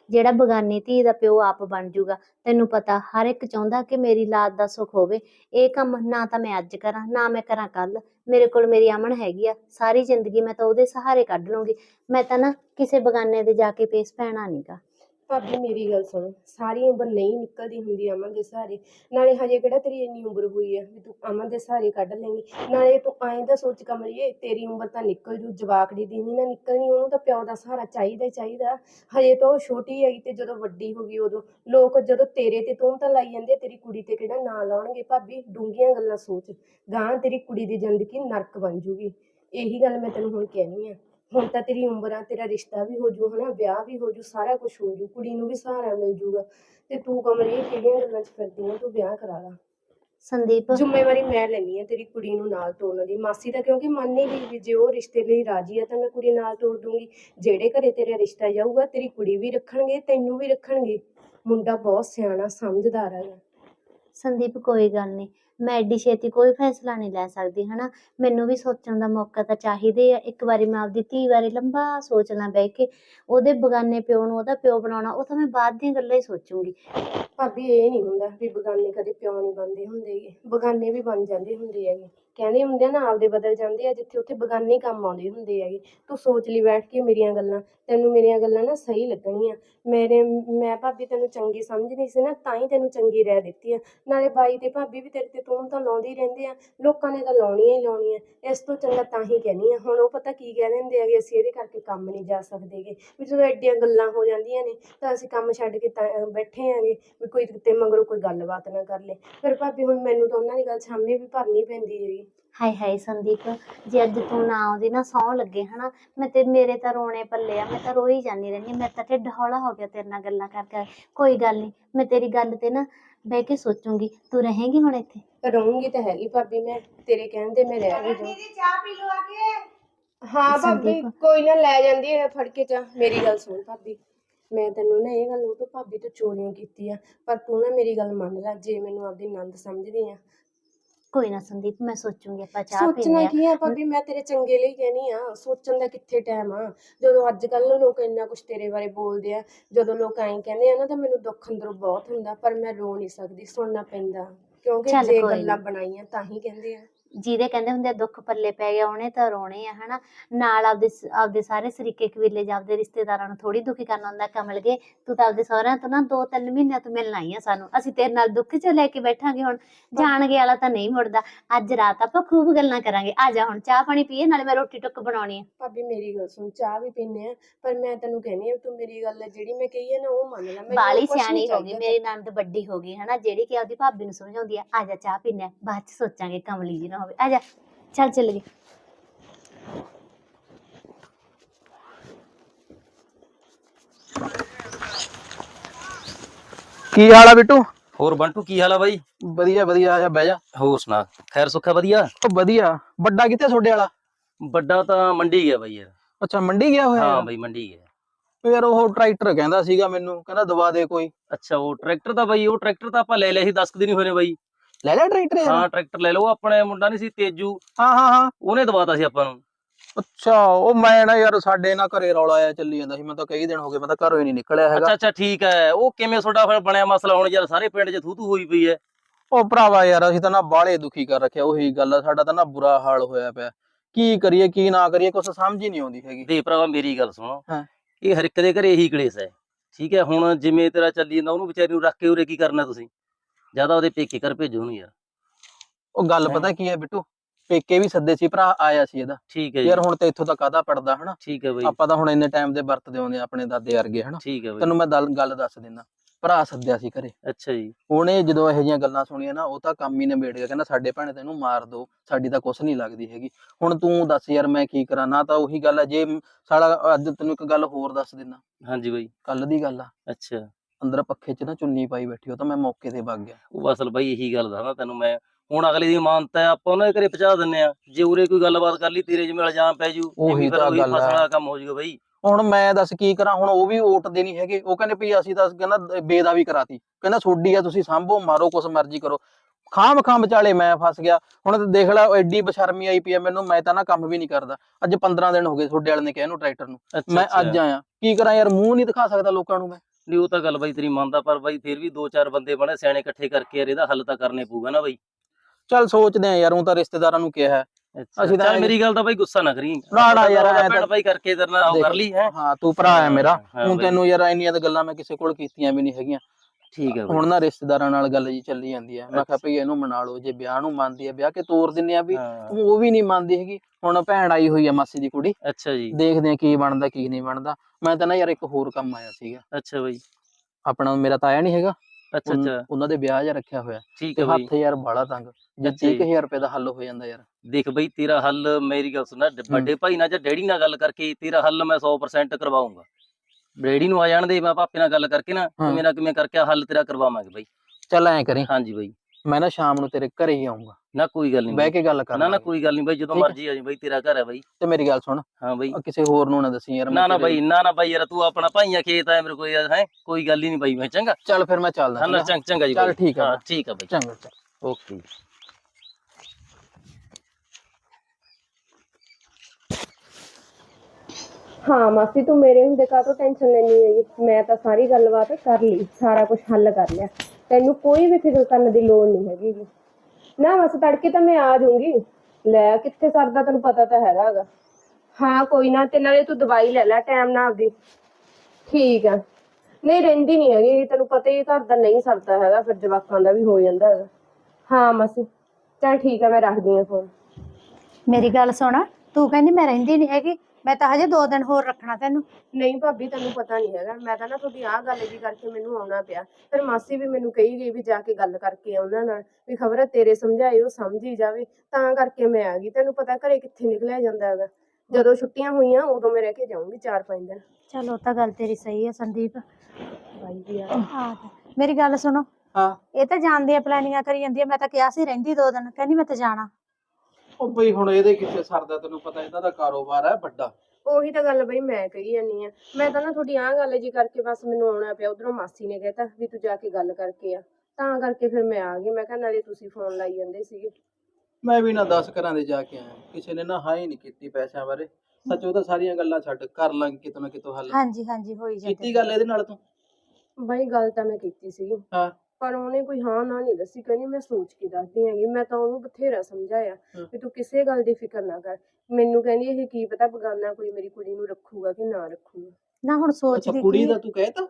Speaker 1: ਜਿਹੜਾ ਬਗਾਨੀ ਧੀ ਦਾ ਪਿਓ ਆਪ ਬਣ ਜੂਗਾ। ਤੈਨੂੰ ਪਤਾ ਹਰ ਇੱਕ ਚਾਹੁੰਦਾ ਕਿ ਮੇਰੀ ਲਾਦ ਦਾ ਸੁੱਖ ਹੋਵੇ। ਇਹ ਕੰਮ ਨਾ ਤਾਂ ਮੈਂ ਅੱਜ ਕਰਾਂ ਨਾ ਮੈਂ ਕਰਾਂ ਕੱਲ। ਮੇਰੇ ਕੋਲ ਮੇਰੀ ਅਮਨ ਹੈਗੀ ਆ, ਸਾਰੀ ਜ਼ਿੰਦਗੀ ਮੈਂ ਤਾਂ ਉਹਦੇ ਸਹਾਰੇ ਕੱਢ ਲੂੰਗੀ। ਮੈਂ ਤਾਂ ਨਾ ਕਿਸੇ ਬਗਾਨੇ ਦੇ ਜਾ ਕੇ ਪੇਸ ਪੈਣਾ ਨੀਗਾ।
Speaker 4: ਭਾਬੀ ਮੇਰੀ ਗੱਲ ਸੁਣ, ਸਾਰੀ ਉਮਰ ਨਹੀਂ ਨਿਕਲਦੀ ਹੁੰਦੀ ਅਮਨ ਦੇ ਸਹਾਰੇ। ਨਾਲੇ ਹਜੇ ਕਿਹੜਾ ਤੇਰੀ ਇੰਨੀ ਉਮਰ ਹੋਈ ਆ ਵੀ ਤੂੰ ਅਮਨ ਦੇ ਸਹਾਰੇ ਕੱਢ ਲੇਂਗੀ। ਨਾਲੇ ਤੂੰ ਐਂ ਤਾਂ ਸੋਚ ਕਮਲੀਏ, ਤੇਰੀ ਉਮਰ ਤਾਂ ਨਿਕਲ ਜੂ, ਜਵਾਕੜੀ ਦੀ ਨਹੀਂ ਨਾ ਨਿਕਲਣੀ। ਉਹਨੂੰ ਤਾਂ ਪਿਓ ਦਾ ਸਹਾਰਾ ਚਾਹੀਦਾ ਹੀ ਚਾਹੀਦਾ। ਹਜੇ ਤਾਂ ਉਹ ਛੋਟੀ ਹੈਗੀ ਤੇ ਜਦੋਂ ਵੱਡੀ ਹੋ ਗਈ ਉਦੋਂ ਲੋਕ ਜਦੋਂ ਤੇਰੇ ਤੇ ਤੂੰ ਤਾਂ ਲਾਈ ਜਾਂਦੇ, ਤੇਰੀ ਕੁੜੀ ਤੇ ਕਿਹੜਾ ਨਾਂ ਲਾਉਣਗੇ। ਭਾਬੀ ਡੂੰਘੀਆਂ ਗੱਲਾਂ ਸੋਚ, ਗਾਂ ਤੇਰੀ ਕੁੜੀ ਦੀ ਜ਼ਿੰਦਗੀ ਨਰਕ ਬਣ ਜੂਗੀ। ਇਹੀ ਗੱਲ ਮੈਂ ਤੈਨੂੰ ਹੁਣ ਕਹਿਣੀ ਆ। ਹੁਣ ਤਾਂ ਤੇਰੀ ਉਮਰ ਆ, ਤੇਰਾ ਰਿਸ਼ਤਾ ਵੀ ਹੋ ਜੂ ਹਨਾ, ਵਿਆਹ ਵੀ ਹੋ ਜੂ, ਸਾਰਾ ਕੁਝ ਹੋ ਜੂ, ਕੁੜੀ ਨੂੰ ਵੀ ਸਹਾਰਾ ਮਿਲ ਜੂਗਾ। ਤੇ ਤੂੰ ਕਮਲੀ ਕਿਹੜੀਆਂ ਗੱਲਾਂ 'ਚ ਫਿਰਦੀ ਆ? ਤੂੰ ਵਿਆਹ ਕਰਾ ਲਾ।
Speaker 1: ਸੰਦੀਪ
Speaker 4: ਜ਼ਿੰਮੇਵਾਰੀ ਮੈਂ ਲੈਣੀ ਆ ਤੇਰੀ ਕੁੜੀ ਨੂੰ ਨਾਲ ਤੋਰਨ ਦੀ। ਮਾਸੀ ਤਾਂ ਕਿਉਂਕਿ ਮੰਨ ਹੀ ਗਈ ਵੀ ਜੇ ਉਹ ਰਿਸ਼ਤੇ ਲਈ ਰਾਜੀ ਆ ਤਾਂ ਮੈਂ ਕੁੜੀ ਨਾਲ ਤੋਰ ਦੂੰਗੀ। ਜਿਹੜੇ ਘਰੇ ਤੇਰਾ ਰਿਸ਼ਤਾ ਜਾਊਗਾ ਤੇਰੀ ਕੁੜੀ ਵੀ ਰੱਖਣਗੇ, ਤੈਨੂੰ ਵੀ ਰੱਖਣਗੇ। ਮੁੰਡਾ ਬਹੁਤ ਸਿਆਣਾ ਸਮਝਦਾਰ ਹੈਗਾ।
Speaker 1: ਸੰਦੀਪ ਕੋਈ ਗੱਲ ਨਹੀਂ, ਮੈਂ ਐਡੀ ਛੇਤੀ ਕੋਈ ਫੈਸਲਾ ਨਹੀਂ ਲੈ ਸਕਦੀ ਹਨਾ। ਮੈਨੂੰ ਵੀ ਸੋਚਣ ਦਾ ਮੌਕਾ ਤਾਂ ਚਾਹੀਦਾ ਆ। ਇੱਕ ਵਾਰੀ ਮੈਂ ਆਪਦੀ ਧੀ ਬਾਰੇ ਲੰਬਾ ਸੋਚ ਲਾਂ ਬਹਿ ਕੇ। ਉਹਦੇ ਬਗਾਨੇ ਪਿਓ ਨੂੰ ਉਹਦਾ ਪਿਓ ਬਣਾਉਣਾ, ਉਹ ਤਾਂ ਮੈਂ ਬਾਅਦ ਦੀਆਂ ਗੱਲਾਂ ਹੀ ਸੋਚੂੰਗੀ।
Speaker 4: ਭਾਬੀ ਇਹ ਨਹੀਂ ਹੁੰਦਾ ਵੀ ਬਗਾਨੇ ਕਦੇ ਪਿਓ ਨਹੀਂ ਬਣਦੇ ਹੁੰਦੇ ਗੇ, ਬਗਾਨੇ ਵੀ ਬਣ ਜਾਂਦੇ ਹੁੰਦੇ ਹੈਗੇ। ਕਹਿੰਦੇ ਹੁੰਦੇ ਆ ਨਾ ਆਪਦੇ ਬਦਲ ਜਾਂਦੇ ਆ, ਜਿੱਥੇ ਉੱਥੇ ਬਗਾਨੇ ਕੰਮ ਆਉਂਦੇ ਹੁੰਦੇ ਹੈਗੇ। ਤੂੰ ਸੋਚ ਲਈ ਬੈਠ ਕੇ ਮੇਰੀਆਂ ਗੱਲਾਂ, ਤੈਨੂੰ ਮੇਰੀਆਂ ਗੱਲਾਂ ਨਾ ਸਹੀ ਲੱਗਣੀਆਂ। ਮੇਰੇ ਮੈਂ ਭਾਬੀ ਤੈਨੂੰ ਚੰਗੀ ਸਮਝਦੀ ਸੀ ਨਾ, ਤਾਂ ਹੀ ਤੈਨੂੰ ਚੰਗੀ ਰਹਿ ਦਿੱਤੀ ਆ। ਨਾਲੇ ਬਾਈ ਤੇ ਭਾਬੀ ਵੀ ਤੇਰੇ ਤੇ ਤੂੰ ਤਾਂ ਲਾਉਂਦੇ ਹੀ ਰਹਿੰਦੇ ਆ, ਲੋਕਾਂ ਨੇ ਤਾਂ ਲਾਉਣੀਆਂ ਹੀ ਲਾਉਣੀਆਂ। ਇਸ ਤੋਂ ਚੰਗਾ ਤਾਂ ਹੀ ਕਹਿੰਦੀ ਆ। ਹੁਣ ਉਹ ਪਤਾ ਕੀ ਕਹਿ ਦਿੰਦੇ ਹੈਗੇ, ਅਸੀਂ ਇਹਦੇ ਕਰਕੇ ਕੰਮ ਨਹੀਂ ਜਾ ਸਕਦੇਗੇ ਵੀ ਜਦੋਂ ਐਡੀਆਂ ਗੱਲਾਂ ਹੋ ਜਾਂਦੀਆਂ ਨੇ ਤਾਂ ਅਸੀਂ ਕੰਮ ਛੱਡ ਕੇ ਤਾਂ ਬੈਠੇ ਹੈਗੇ ਵੀ ਕੋਈ ਕਿਤੇ ਮਗਰੋਂ ਕੋਈ ਗੱਲਬਾਤ ਨਾ ਕਰ ਲੇ। ਫਿਰ ਭਾਬੀ ਹੁਣ ਮੈਨੂੰ ਤਾਂ ਉਹਨਾਂ ਦੀ ਗੱਲ ਸਾਹਮਣੇ ਵੀ ਭਰਨੀ ਪੈਂਦੀ ਹੈਗੀ।
Speaker 1: ਹਾਏ ਹਾਏ ਸੰਦੀਪ, ਜੇ ਅੱਜ ਤੂੰ ਨਾ ਆਉਂਦੀ ਨਾ ਸਹੁੰ ਲੱਗੇ ਹਨਾ, ਮੈਂ ਤੇ ਮੇਰੇ ਤਾਂ ਰੋਣੇ ਪੱਲੇ ਆ। ਮੈਂ ਤਾਂ ਰੋਈ ਜਾਂਦੀ ਰਹਿੰਦੀ, ਮੇਰਾ ਤਾਂ ਢਿੱਡ ਹੌਲਾ ਹੋ ਗਿਆ ਤੇਰੇ ਨਾਲ ਗੱਲਾਂ ਕਰ ਕਰ। ਕੋਈ ਗੱਲ ਨਹੀਂ, ਮੈਂ ਤੇਰੀ ਗੱਲ ਤੇ ਨਾ ਬਹਿ ਕੇ ਸੋਚੂੰਗੀ। ਤੂੰ ਰਹੇਂਗੀ ਹੁਣ ਇੱਥੇ?
Speaker 4: ਰਹੂੰਗੀ ਤਾਂ ਹੈਗੀ ਭਾਬੀ, ਮੈਂ ਤੇਰੇ ਕਹਿਣ ਤੇ ਮੈਂ ਰਹਿ ਵੀ ਜਾਊਂ।
Speaker 2: ਚਾਹ ਪੀ ਲਓ ਆ ਕੇ।
Speaker 4: ਹਾਂ ਭਾਬੀ
Speaker 1: ਸੰਦੀਪ
Speaker 4: ਕੋਈ ਨਾ, ਲੈ ਜਾਂਦੀ ਹੈ ਫੜ ਕੇ ਚਾਹ। ਮੇਰੀ ਗੱਲ ਸੁਣ ਭਾਬੀ, ਮੈਂ ਤੈਨੂੰ ਨਾ ਇਹ ਗੱਲ ਉਹ ਤੋਂ ਭਾਬੀ ਤੋਂ ਚੋਰੀਆਂ ਕੀਤੀ ਆ, ਪਰ ਤੂੰ ਨਾ ਮੇਰੀ ਗੱਲ ਮੰਨ ਲੈ। ਜੇ ਮੈਨੂੰ ਆਪਦੀ ਨੰਦ ਸਮਝਦੀ ਆ।
Speaker 1: ਕੋਈ ਨਾ ਸੰਦੀਪ, ਮੈਂ ਸੋਚੂੰਗੀ। ਆਪਾਂ ਚਾਹ
Speaker 4: ਸੋਚਣਾ
Speaker 1: ਪੀਂਦੇ ਆ।
Speaker 4: ਕੀ ਆ ਭਾਬੀ, ਮੈਂ ਤੇਰੇ ਚੰਗੇ ਲਈ ਕਹਿਨੀ ਆ। ਸੋਚਣ ਦਾ ਕਿੱਥੇ ਟਾਈਮ ਆ, ਜਦੋਂ ਅੱਜ ਕੱਲ੍ਹ ਲੋਕ ਇੰਨਾ ਕੁਛ ਤੇਰੇ ਬਾਰੇ ਬੋਲਦੇ ਆ। ਜਦੋਂ ਲੋਕ ਐਂ ਕਹਿੰਦੇ ਆ ਨਾ ਤਾਂ ਮੈਨੂੰ ਦੁੱਖ ਅੰਦਰੋਂ ਬਹੁਤ ਹੁੰਦਾ, ਪਰ ਮੈਂ ਰੋ ਨਹੀਂ ਸਕਦੀ, ਸੁਣਨਾ ਪੈਂਦਾ। ਕਿਉਂਕਿ
Speaker 1: ਚੱਲ
Speaker 4: ਜੇ
Speaker 1: ਕੋਈ
Speaker 4: ਗੱਲਾਂ
Speaker 1: ਨੀ।
Speaker 4: ਬਣਾਈਆਂ ਤਾਂ ਹੀ ਕਹਿੰਦੇ ਆ।
Speaker 1: ਜਿਹਦੇ ਕਹਿੰਦੇ ਹੁੰਦੇ ਆ ਦੁੱਖ ਪੱਲੇ ਪੈ ਗਿਆ ਉਹਨੇ ਤਾਂ ਰੋਣੇ ਆ ਹਨਾ। ਨਾਲ ਆਪਦੇ ਆਪਦੇ ਸਾਰੇ ਸਰੀਕੇ ਕਬੀਲੇ ਜਾਂ ਆਪਦੇ ਰਿਸ਼ਤੇਦਾਰਾਂ ਨੂੰ ਥੋੜੀ ਦੁਖੀ ਕਰਨਾ ਹੁੰਦਾ। ਕਮਲ ਗਏ, ਤੂੰ ਤਾਂ ਆਪਦੇ ਸਹੁਰਿਆਂ ਤੋਂ ਨਾ ਦੋ ਤਿੰਨ ਮਹੀਨਿਆਂ ਤੋਂ ਮਿਲਣ ਆਈ ਆ ਸਾਨੂੰ। ਅਸੀਂ ਤੇਰੇ ਨਾਲ ਦੁੱਖ ਚ ਲੈ ਕੇ ਬੈਠਾਂਗੇ। ਹੁਣ ਜਾਣਗੇ ਵਾਲਾ ਤਾਂ ਨਹੀਂ ਮੁੜਦਾ। ਅੱਜ ਰਾਤ ਆਪਾਂ ਖੂਬ ਗੱਲਾਂ ਕਰਾਂਗੇ। ਆ ਜਾ ਹੁਣ ਚਾਹ ਪਾਣੀ ਪੀਏ, ਨਾਲੇ ਮੈਂ ਰੋਟੀ ਟੁੱਕ ਬਣਾਉਣੀ ਆ।
Speaker 4: ਭਾਬੀ ਮੇਰੀ ਗੱਲ ਸੁਣ, ਚਾਹ ਵੀ ਪੀਨੇ ਆ, ਪਰ ਮੈਂ ਤੈਨੂੰ ਕਹਿੰਦੀ ਆ ਤੂੰ ਮੇਰੀ ਗੱਲ ਜਿਹੜੀ ਮੈਂ ਕਹੀ ਹੈ ਨਾ ਉਹ ਮੰਨ ਲੈ।
Speaker 1: ਬਾਲੀ
Speaker 4: ਮੈਨੂੰ ਕੁਛ
Speaker 1: ਸਿਆਣੀ
Speaker 4: ਨਹੀਂ
Speaker 1: ਹੋ ਗਈ,
Speaker 4: ਚਾਹੀਦਾ।
Speaker 1: ਮੇਰੀ ਨਣਦ ਵੱਡੀ ਹੋ ਗਈ ਹਨਾ, ਜਿਹੜੀ ਕਿ ਆਪਦੀ ਭਾਬੀ ਨੂੰ ਸਮਝਾਉਂਦੀ ਆ। ਆ ਜਾ ਚਾਹ ਪੀਨੇ ਆ, ਬਾਅਦ ਚ ਸੋਚਾਂਗੇ ਕਮਲੀ ਜੀ ਨਾ ਹੋਵੇ। ਆ ਜਾ ਚੱਲ ਚੱਲ ਗਈ।
Speaker 3: ਕੀ ਹਾਲ ਆ ਬਿੱਟੂ?
Speaker 5: ਹੋਰ ਬੰਟੂ ਕੀ ਹਾਲ ਆ ਬਾਈ?
Speaker 3: ਵਧੀਆ ਵਧੀਆ, ਆ ਜਾ ਬਹਿ ਜਾ।
Speaker 5: ਹੋਰ ਸੁਣਾ, ਖੈਰ ਸੁੱਖਾ? ਵਧੀਆ।
Speaker 3: ਉਹ ਵਧੀਆ। ਵੱਡਾ ਕਿੱਥੇ ਤੁਹਾਡੇ ਵਾਲਾ?
Speaker 5: ਵੱਡਾ ਤਾਂ ਮੰਡੀ ਗਿਆ ਬਾਈ ਯਾਰ।
Speaker 3: ਅੱਛਾ ਮੰਡੀ ਗਿਆ ਹੋਇਆ
Speaker 5: ਹਾਂ
Speaker 3: ਯਾਰ?
Speaker 5: ਬਾਈ ਮੰਡੀ ਗਿਆ।
Speaker 3: ਯਾਰ ਉਹ ਟਰੈਕਟਰ ਕਹਿੰਦਾ ਸੀਗਾ ਮੈਨੂੰ, ਕਹਿੰਦਾ ਦਵਾ ਦੇ ਕੋਈ।
Speaker 5: ਅੱਛਾ ਉਹ ਟਰੈਕਟਰ ਦਾ ਬਾਈ, ਉਹ ਟਰੈਕਟਰ ਤਾਂ ਆਪਾਂ ਲੈ ਲਿਆ ਸੀ, ਦਸ ਕੁ ਦਿਨ ਹੀ ਹੋਏ ਨੇ ਬਾਈ।
Speaker 3: ਲੈ ਲਿਆ ਟਰੈਕਟਰ ਯਾਰ?
Speaker 5: ਹਾਂ ਟਰੈਕਟਰ ਲੈ ਲਓ। ਆਪਣੇ ਮੁੰਡਾ ਨਹੀਂ ਸੀ ਤੇਜੂ,
Speaker 3: ਹਾਂ ਹਾਂ ਹਾਂ।
Speaker 5: ਉਹਨੇ ਦਵਾਤਾ ਸੀ ਆਪਾਂ ਨੂੰ।
Speaker 3: ਅੱਛਾ ਉਹ ਮੈਂ ਨਾ ਯਾਰ ਸਾਡੇ ਨਾਲ ਘਰੇ ਰੌਲਾ ਆਇਆ ਚੱਲੀ ਜਾਂਦਾ ਸੀ। ਮੈਂ ਤਾਂ ਕਈ ਦਿਨ ਹੋ ਗਏ, ਮੈਂ ਤਾਂ ਘਰੋਂ ਹੀ ਨਹੀਂ ਨਿਕਲਿਆ ਹੈਗਾ।
Speaker 5: ਅੱਛਾ ਅੱਛਾ ਠੀਕ ਹੈ। ਉਹ ਕਿਵੇਂ ਤੁਹਾਡਾ ਫਿਰ ਬਣਿਆ ਮਸਲਾ? ਹੁਣ ਯਾਰ ਸਾਰੇ ਪਿੰਡ 'ਚ ਥੂ ਥੂ ਹੋਈ ਪਈ ਹੈ।
Speaker 3: ਉਹ ਭਰਾਵਾ ਯਾਰ ਅਸੀਂ ਤਾਂ ਨਾ ਬਾਹਲੇ ਦੁਖੀ ਕਰ ਰੱਖਿਆ। ਉਹੀ ਗੱਲ ਆ, ਸਾਡਾ ਤਾਂ ਨਾ ਬੁਰਾ ਹਾਲ ਹੋਇਆ ਪਿਆ। ਕੀ ਕਰੀਏ ਕੀ ਨਾ ਕਰੀਏ, ਕੁਛ ਸਮਝ ਹੀ ਨਹੀਂ ਆਉਂਦੀ ਹੈਗੀ।
Speaker 5: ਦੇ ਭਰਾਵਾ ਮੇਰੀ ਗੱਲ ਸੁਣੋ,
Speaker 3: ਹਾਂ।
Speaker 5: ਇਹ ਹਰ ਇੱਕ ਦੇ ਘਰੇ ਇਹੀ ਕਲੇਸ਼ ਹੈ। ਠੀਕ ਹੈ, ਹੁਣ ਜਿਵੇਂ ਤੇਰਾ ਚੱਲੀ ਜਾਂਦਾ, ਉਹਨੂੰ ਵਿਚਾਰੀ ਨੂੰ ਰੱਖ ਕੇ ਉਰੇ ਕੀ ਕਰਨਾ ਤੁਸੀਂ? ਜਿਆਦਾ ਉਹਦੇ ਪੇਕੇ ਘਰ ਭੇਜੋ ਉਹਨੂੰ ਯਾਰ।
Speaker 3: ਉਹ ਗੱਲ ਪਤਾ ਕੀ ਹੈ ਬਿੱਟੂ, ਪੇਕੇ ਵੀ ਸੱਦੇ ਸੀ, ਭਰਾ ਆਇਆ ਸੀ ਇਹਦਾ।
Speaker 5: ਠੀਕ ਹੈ
Speaker 3: ਯਾਰ
Speaker 5: ਜੀ।
Speaker 3: ਹੁਣ ਤੇ ਇੱਥੋਂ ਤਾਂ ਕਾਹਦਾ ਪੜਦਾ ਹਨਾ।
Speaker 5: ਠੀਕ ਹੈ ਬਾਈ।
Speaker 3: ਆਪਾਂ ਤਾਂ ਹੁਣ ਇੰਨੇ ਟਾਈਮ ਦੇ ਵਰਤਦੇ ਆਉਂਦੇ ਆ ਆਪਣੇ ਦਾਦੇ ਵਰਗੇ ਹਨਾ।
Speaker 5: ਠੀਕ ਹੈ ਬਾਈ।
Speaker 3: ਤੈਨੂੰ ਮੈਂ ਗੱਲ ਦੱਸ ਦਿੰਦਾ। ਭਰਾ ਸੱਦਿਆ ਸੀ ਘਰੇ।
Speaker 5: ਅੱਛਾ ਜੀ।
Speaker 3: ਉਹਨੇ ਜਦੋਂ ਇਹੋ ਜਿਹੀਆਂ ਗੱਲਾਂ ਸੁਣੀਆਂ ਨਾ, ਉਹ ਤਾਂ ਕੰਮ ਹੀ ਨਿਬੇੜ ਗਿਆ। ਕਹਿੰਦਾ ਸਾਡੇ ਭੈਣੇ ਤੈਨੂੰ ਮਾਰ ਦੋ, ਸਾਡੀ ਤਾਂ ਕੁਛ ਨਹੀਂ ਲੱਗਦੀ ਹੈਗੀ। ਹੁਣ ਤੂੰ ਦੱਸ ਯਾਰ ਮੈਂ ਕੀ ਕਰਾਂ? ਨਾ ਤਾਂ ਉਹੀ ਗੱਲ ਹੈ, ਜੇ ਸਾਲਾ ਅੱਜ ਤੈਨੂੰ ਇੱਕ ਗੱਲ ਹੋਰ ਦੱਸ ਦਿੰਦਾ।
Speaker 5: ਹਾਂਜੀ ਬਾਈ।
Speaker 3: ਕੱਲ ਦੀ ਗੱਲ ਆ,
Speaker 5: ਅੱਛਾ।
Speaker 3: ਅੰਦਰ ਪੱਖੇ 'ਚ ਨਾ ਚੁੰਨੀ ਪਾਈ ਬੈਠੀ, ਉਹ ਤਾਂ ਮੈਂ ਮੌਕੇ ਤੇ ਵਗ ਗਿਆ।
Speaker 5: ਉਹ ਅਸਲ ਬਾਈ ਇਹੀ ਗੱਲ ਦੱਸਦਾ ਤੈਨੂੰ ਮੈਂ। ਹੁਣ ਅਗਲੇ ਦੀ ਇਮਾਨਤ ਹੈ, ਆਪਾਂ ਉਹਨਾਂ ਦੇ ਘਰੇ ਪਹੁੰਚਾ ਦਿੰਨੇ ਆ। ਜੇ ਉਰੇ ਕੋਈ ਗੱਲਬਾਤ ਕਰ ਲਈ ਤੇਰੇ ਜਿਵੇਂ ਇਲਜ਼ਾਮ ਪੈ ਜੂ,
Speaker 3: ਉਹੀ
Speaker 5: ਫਿਰ
Speaker 3: ਤਾਂ
Speaker 5: ਉਹੀ
Speaker 3: ਗੱਲ
Speaker 5: ਫਸਣ
Speaker 3: ਆ।
Speaker 5: ਵਾਲਾ ਕੰਮ ਹੋ ਜਾਊਗਾ ਬਾਈ।
Speaker 3: ਹੁਣ ਮੈਂ ਦੱਸ ਕੀ ਕਰਾਂ? ਹੁਣ ਉਹ ਵੀ ਓਟ ਦੇ ਨਹੀਂ ਹੈਗੇ। ਉਹ ਕਹਿੰਦੇ ਵੀ ਅਸੀਂ ਤਾਂ ਕਹਿੰਦਾ ਬੇਦਾਵੀ ਕਰਾਤੀ। ਕਹਿੰਦਾ ਸੋਡੀ ਆ, ਤੁਸੀਂ ਸਾਂਭੋ ਮਾਰੋ ਕੁਛ ਮਰਜ਼ੀ ਕਰੋ। ਖਾਮ ਖਾਮ ਵਿਚਾਲੇ ਮੈਂ ਫਸ ਗਿਆ। ਹੁਣ ਦੇਖ ਲੈ ਐਡੀ ਬਸ਼ਰਮੀ ਆਈ ਪਈ ਆ ਮੈਨੂੰ। ਮੈਂ ਤਾਂ ਨਾ ਕੰਮ ਵੀ ਨਹੀਂ ਕਰਦਾ। ਅੱਜ ਪੰਦਰਾਂ ਦਿਨ ਹੋ ਗਏ ਤੁਹਾਡੇ ਵਾਲੇ ਨੇ ਕਿਹਾ ਇਹਨੂੰ ਟਰੈਕਟਰ ਨੂੰ। ਮੈਂ ਅੱਜ ਆਇਆ, ਕੀ ਕਰਾਂ ਯਾਰ? ਮੂੰਹ ਨਹੀਂ ਦਿਖਾ ਸਕਦਾ ਲੋਕਾਂ ਨੂੰ ਮੈਂ।
Speaker 5: ਨਹੀਂ ਉਹ ਤਾਂ ਗੱਲ ਬਾਈ ਤੇਰੀ ਮੰਨਦਾ, ਪਰ ਬਾਈ ਫਿਰ ਵੀ ਦੋ ਚਾਰ ਬੰਦੇ ਬਣੇ ਸਿਆਣੇ ਇਕੱਠੇ ਕਰਕੇ ਯਾਰ ਇਹਦਾ ਹੱਲ ਤਾਂ ਕਰਨੇ ਪਊਗਾ ਨਾ ਬਾਈ।
Speaker 3: ਚੱਲ ਸੋਚਦੇ ਆ ਯਾਰ, ਉਹ ਤਾਂ ਰਿਸ਼ਤੇਦਾਰਾਂ ਨੂੰ ਕਿਹਾ ਹੈ।
Speaker 5: ਅਸੀਂ
Speaker 3: ਤਾਂ
Speaker 5: ਚੱਲ ਮੇਰੀ ਗੱਲ ਤਾਂ ਬਾਈ ਗੁੱਸਾ ਨਾ ਕਰੀ।
Speaker 3: ਨਾ ਨਾ ਯਾਰ, ਐਂ
Speaker 5: ਭੈਣ
Speaker 3: ਤਾਂ
Speaker 5: ਬਾਈ ਕਰਕੇ ਤੇਰੇ ਨਾਲ ਉਹ ਕਰ ਲਈ ਹੈ।
Speaker 3: ਹਾਂ ਤੂੰ ਭਰਾ ਹੈ ਮੇਰਾ,
Speaker 5: ਹਾਂ
Speaker 3: ਹੁਣ
Speaker 5: ਬਾਈ।
Speaker 3: ਤੈਨੂੰ ਯਾਰ ਇੰਨੀਆਂ ਤਾਂ ਗੱਲਾਂ ਮੈਂ ਕਿਸੇ ਕੋਲ ਕੀਤੀਆਂ ਵੀ ਨਹੀਂ ਹੈਗੀਆਂ।
Speaker 5: ਠੀਕ ਹੈ ਬਾਈ।
Speaker 3: ਹੁਣ ਨਾ ਰਿਸ਼ਤੇਦਾਰਾਂ ਨਾਲ ਗੱਲ ਜੀ ਚੱਲੀ ਜਾਂਦੀ ਹੈ, ਮੈਂ ਕਿਹਾ ਭਈ ਇਹਨੂੰ ਮਨਾ ਲਓ, ਜੇ ਵਿਆਹ ਨੂੰ ਮੰਨਦੀ ਹੈ ਵਿਆਹ ਕੇ ਤੋਰ ਦਿੰਨੇ ਆ ਵੀ,
Speaker 5: ਹਾਂ।
Speaker 3: ਉਹ ਵੀ ਨਹੀਂ ਮੰਨਦੀ ਹੈਗੀ। ਹੁਣ ਭੈਣ ਆਈ ਹੋਈ ਆ ਮਾਸੀ ਦੀ ਕੁੜੀ,
Speaker 5: ਅੱਛਾ ਜੀ।
Speaker 3: ਦੇਖਦੇ ਆ ਕੀ ਬਣਦਾ ਕੀ ਨਹੀਂ ਬਣਦਾ। ਮੈਂ ਤਾਂ ਨਾ ਯਾਰ ਇੱਕ ਹੋਰ ਕੰਮ ਆਇਆ ਸੀਗਾ,
Speaker 5: ਅੱਛਾ ਬਾਈ।
Speaker 3: ਆਪਣਾ ਮੇਰਾ ਤਾਇਆ ਨਹੀਂ ਹੈਗਾ,
Speaker 5: ਅੱਛਾ
Speaker 3: ਉਨ-
Speaker 5: ਅੱਛਾ
Speaker 3: ਉਹਨਾਂ ਦੇ ਵਿਆਹ ਜਿਹਾ ਰੱਖਿਆ ਹੋਇਆ,
Speaker 5: ਠੀਕ
Speaker 3: ਤੇ
Speaker 5: ਹੈ ਬਾਈ।
Speaker 3: ਹੱਥ ਯਾਰ ਬਾਲਾ ਤੰਗ, ਜੇ
Speaker 5: ਅੱਛਾ ਜੀ।
Speaker 3: ਤੀਹ ਹਜ਼ਾਰ ਰੁਪਏ ਦਾ ਹੱਲ ਹੋ ਜਾਂਦਾ ਯਾਰ।
Speaker 5: ਦੇਖ ਬਈ ਤੇਰਾ ਹੱਲ, ਮੇਰੀ ਗੱਲ ਸੁਣ, ਵੱਡੇ ਭਾਈ ਨਾਲ ਜਾਂ ਡੈਡੀ ਨਾਲ ਗੱਲ ਕਰਕੇ ਤੇਰਾ ਹੱਲ ਮੈਂ ਸੌ ਪ੍ਰਸੈਂਟ ਕਰਵਾਉਂਗਾ। ਡੈਡੀ ਨੂੰ ਆ ਜਾਣ ਦੇ, ਮੈਂ ਪਾਪੇ ਨਾਲ ਗੱਲ ਕਰਕੇ ਨਾ
Speaker 3: ਹਾਂ।
Speaker 5: ਕਿਵੇਂ ਨਾ ਕਿਵੇਂ ਕਰਕੇ ਹੱਲ ਤੇਰਾ ਕਰਵਾਵਾਂਗੇ ਬਾਈ।
Speaker 3: ਚੱਲ ਐਂ ਕਰੀ,
Speaker 5: ਹਾਂਜੀ ਬਾਈ।
Speaker 3: ਮੈਂ ਨਾ ਸ਼ਾਮ ਨੂੰ ਤੇਰੇ ਘਰੇ ਹੀ ਆਉਂਗਾ,
Speaker 5: ਨਾ ਕੋਈ ਗੱਲ ਨਹੀਂ
Speaker 3: ਬਹਿ ਕੇ ਗੱਲ ਕਰ
Speaker 5: ਨਾ ਨਾ
Speaker 3: ਲਾਂਗੇ।
Speaker 5: ਕੋਈ ਗੱਲ ਨਹੀਂ ਬਾਈ, ਜਦੋਂ
Speaker 3: ਠੀਕ ਹੈ।
Speaker 5: ਮਰਜ਼ੀ ਆ ਜੀ ਬਾਈ, ਤੇਰਾ ਘਰ ਹੈ ਬਾਈ।
Speaker 3: ਤੇ ਮੇਰੀ ਗੱਲ ਸੁਣ,
Speaker 5: ਹਾਂ ਬਾਈ।
Speaker 3: ਆਹ ਕਿਸੇ ਹੋਰ ਨੂੰ ਨਾ ਦੱਸੀ ਯਾਰ।
Speaker 5: ਨਾ
Speaker 3: ਮੈਂ
Speaker 5: ਨਾ
Speaker 3: ਤੇਰੇ-
Speaker 5: ਬਾਈ, ਨਾ ਨਾ ਬਾਈ ਯਾਰ, ਤੂੰ ਆਪਣਾ ਭਾਈਆਂ ਖੇਤ ਆ ਮੇਰੇ ਕੋਲ ਯਾਰ, ਹੈ ਕੋਈ ਗੱਲ ਹੀ ਨਹੀਂ ਬਾਈ। ਮੈਂ ਚੰਗਾ,
Speaker 3: ਚੱਲ ਫਿਰ ਮੈਂ ਚੱਲਦਾ।
Speaker 5: ਹਾਂ ਨਾ ਚੰਗਾ ਚੰਗਾ ਜੀ
Speaker 3: ਚੱਲ
Speaker 5: ਬਾਈ।
Speaker 3: ਠੀਕ ਆ
Speaker 5: ਹਾਂ
Speaker 3: ਬਾਈ।
Speaker 5: ਠੀਕ ਆ ਬਾਈ,
Speaker 3: ਚੰਗਾ ਚੱਲ।
Speaker 5: ਓਕੇ।
Speaker 4: ਹਾਂ ਮਾਸੀ, ਤੂੰ ਮੇਰੇ ਹੁੰਦੇ ਕਾਹਤੋਂ ਟੈਨਸ਼ਨ ਲੈਣੀ ਹੈਗੀ, ਮੈਂ ਤਾਂ ਸਾਰੀ ਗੱਲਬਾਤ ਕਰ ਲਈ, ਸਾਰਾ ਕੁਝ ਹੱਲ ਕਰ ਲਿਆ, ਤੈਨੂੰ ਕੋਈ ਵੀ ਫਿਕਰ ਕਰਨ ਦੀ ਲੋੜ ਨਹੀਂ ਹੈਗੀ ਗੀ। ਨਾ ਬਸ ਤੜਕੇ ਤਾਂ ਮੈਂ ਆ ਜਾਊਂਗੀ। ਲੈ ਕਿੱਥੇ ਸਰਦਾ, ਤੈਨੂੰ ਪਤਾ ਤਾਂ ਹੈਗਾ ਹੈਗਾ। ਹਾਂ ਕੋਈ ਨਾ, ਤੇ ਨਾਲੇ ਤੂੰ ਦਵਾਈ ਲੈ ਲੈ ਟਾਈਮ ਨਾਲ ਆਪਦੀ। ਠੀਕ ਆ। ਨਹੀਂ ਰਹਿੰਦੀ ਨਹੀਂ ਹੈਗੀ, ਤੈਨੂੰ ਪਤਾ ਹੀ ਘਰ ਦਾ ਨਹੀਂ ਸਰਦਾ ਹੈਗਾ, ਫਿਰ ਜਵਾਕਾਂ ਦਾ ਵੀ ਹੋ ਜਾਂਦਾ ਹੈਗਾ। ਹਾਂ ਮਾਸੀ ਚੱਲ ਠੀਕ ਆ, ਮੈਂ ਰੱਖਦੀ ਹਾਂ ਫੋਨ।
Speaker 2: ਮੇਰੀ ਗੱਲ ਸੁਣ, ਤੂੰ ਕਹਿੰਦੀ ਮੈਂ ਰਹਿੰਦੀ ਨਹੀਂ ਹੈਗੀ, ਮੈਂ ਤਾਂ ਹਜੇ ਦੋ ਦਿਨ ਹੋਰ ਰੱਖਣਾ ਤੈਨੂੰ।
Speaker 4: ਨਹੀਂ ਭਾਬੀ, ਤੈਨੂੰ ਪਤਾ ਨਹੀਂ ਹੈਗਾ, ਮੈਂ ਤਾਂ ਨਾ ਤੁਹਾਡੀ ਆਹ ਗੱਲ ਜੀ ਕਰਕੇ ਮੈਨੂੰ ਆਉਣਾ ਪਿਆ। ਫਿਰ ਮਾਸੀ ਵੀ ਮੈਨੂੰ ਕਹੀ ਗਈ ਵੀ ਜਾ ਕੇ ਗੱਲ ਕਰਕੇ ਆ ਉਹਨਾਂ ਨਾਲ, ਵੀ ਖਬਰ ਹੈ ਤੇਰੇ ਸਮਝਾਏ ਉਹ ਸਮਝ ਹੀ ਜਾਵੇ, ਤਾਂ ਕਰਕੇ ਮੈਂ ਆ ਗਈ। ਤੈਨੂੰ ਪਤਾ ਘਰੇ ਕਿੱਥੇ ਨਿਕਲਿਆ ਜਾਂਦਾ ਹੈਗਾ, ਜਦੋਂ ਛੁੱਟੀਆਂ ਹੋਈਆਂ ਉਦੋਂ ਮੈਂ ਰਹਿ ਕੇ ਜਾਊਂਗੀ ਚਾਰ ਪੰਜ ਦਿਨ।
Speaker 2: ਚਲੋ ਤਾਂ ਗੱਲ ਤੇਰੀ ਸਹੀ ਹੈ ਸੰਦੀਪ।
Speaker 4: ਬਾਈ ਜੀ ਆ
Speaker 2: ਹਾਂ ਮੇਰੀ ਗੱਲ ਸੁਣੋ,
Speaker 3: ਹਾਂ
Speaker 2: ਇਹ ਤਾਂ ਜਾਣ ਦੀਆਂ ਪਲੈਨਿੰਗਾਂ ਕਰੀ ਜਾਂਦੀ ਹੈ, ਮੈਂ ਤਾਂ ਕਿਹਾ ਸੀ ਰਹਿੰਦੀ ਦੋ ਦਿਨ, ਕਹਿੰਦੀ ਮੈਂ ਤਾਂ ਜਾਣਾ।
Speaker 3: ਉਹ ਬਈ ਹੁਣ ਇਹਦੇ ਕਿੱਥੇ ਸਰਦਾ, ਤੈਨੂੰ ਪਤਾ ਇਹਨਾਂ ਦਾ ਕਾਰੋਬਾਰ ਹੈ ਵੱਡਾ।
Speaker 4: ਉਹੀ ਤਾਂ ਗੱਲ ਬਈ ਮੈਂ ਕਹੀ ਜਾਂਦੀ ਆ, ਮੈਂ ਤਾਂ ਨਾ ਤੁਹਾਡੀ ਆਹ ਗੱਲ ਜੀ ਕਰਕੇ ਬਸ ਮੈਨੂੰ ਆਉਣਾ ਪਿਆ। ਉਧਰੋਂ ਮਾਸੀ ਨੇ ਕਹਿਤਾ ਵੀ ਤੂੰ ਜਾ ਕੇ ਗੱਲ ਕਰਕੇ ਆ, ਤਾਂ ਕਰਕੇ ਫਿਰ ਮੈਂ ਆ ਗਈ। ਮੈਂ ਕਿਹਾ ਨਾਲੇ ਤੁਸੀਂ ਫੋਨ ਲਾਈ ਜਾਂਦੇ ਸੀਗੇ।
Speaker 3: ਮੈਂ ਵੀ ਨਾ ਦਸ ਘਰਾਂ ਦੇ ਜਾ ਕੇ ਆਇਆ, ਕਿਸੇ ਨੇ ਨਾ ਹਾਂ ਹੀ ਨਹੀਂ ਕੀਤੀ ਪੈਸਿਆਂ ਬਾਰੇ। ਸੱਚ ਉਹ ਤਾਂ ਸਾਰੀਆਂ ਗੱਲਾਂ ਛੱਡ, ਕਰ ਲਾਂਗੇ ਕਿਤੋਂ ਨਾ ਕਿਤੋਂ ਹੱਲ।
Speaker 2: ਹਾਂਜੀ ਹਾਂਜੀ ਹੋਈ ਜਾਂਦੀ।
Speaker 3: ਕੀਤੀ ਗੱਲ ਇਹਦੇ ਨਾਲ ਤੂੰ?
Speaker 4: ਬਾਈ ਗੱਲ ਤਾਂ ਮੈਂ ਕੀਤੀ ਸੀਗੀ,
Speaker 3: ਹਾਂ
Speaker 4: ਪਰ ਉਹਨੇ ਕੋਈ ਹਾਂ ਨਾ ਨਹੀਂ ਦੱਸੀ। ਕਹਿੰਦੀ ਮੈਂ ਸੋਚ ਕੇ ਦੱਸਦੀ ਹੈਗੀ। ਮੈਂ ਤਾਂ ਉਹਨੂੰ ਬਥੇਰਾ ਸਮਝਾਇਆ ਵੀ ਤੂੰ ਕਿਸੇ ਗੱਲ ਦੀ ਫਿਕਰ ਨਾ ਕਰ। ਮੈਨੂੰ ਕਹਿੰਦੀ ਇਹ ਕੀ ਪਤਾ ਬਗਾਨਾ ਕੋਈ ਮੇਰੀ ਕੁੜੀ ਨੂੰ ਰੱਖੂਗਾ ਕਿ ਨਾ ਰੱਖੂਗਾ।
Speaker 2: ਨਾ ਹੁਣ
Speaker 3: ਅੱਛਾ,
Speaker 2: ਸੋਚਦੀ
Speaker 3: ਕੁੜੀ
Speaker 2: ਕੀ
Speaker 3: ਦਾ ਤੂੰ ਕਹਿਤਾ?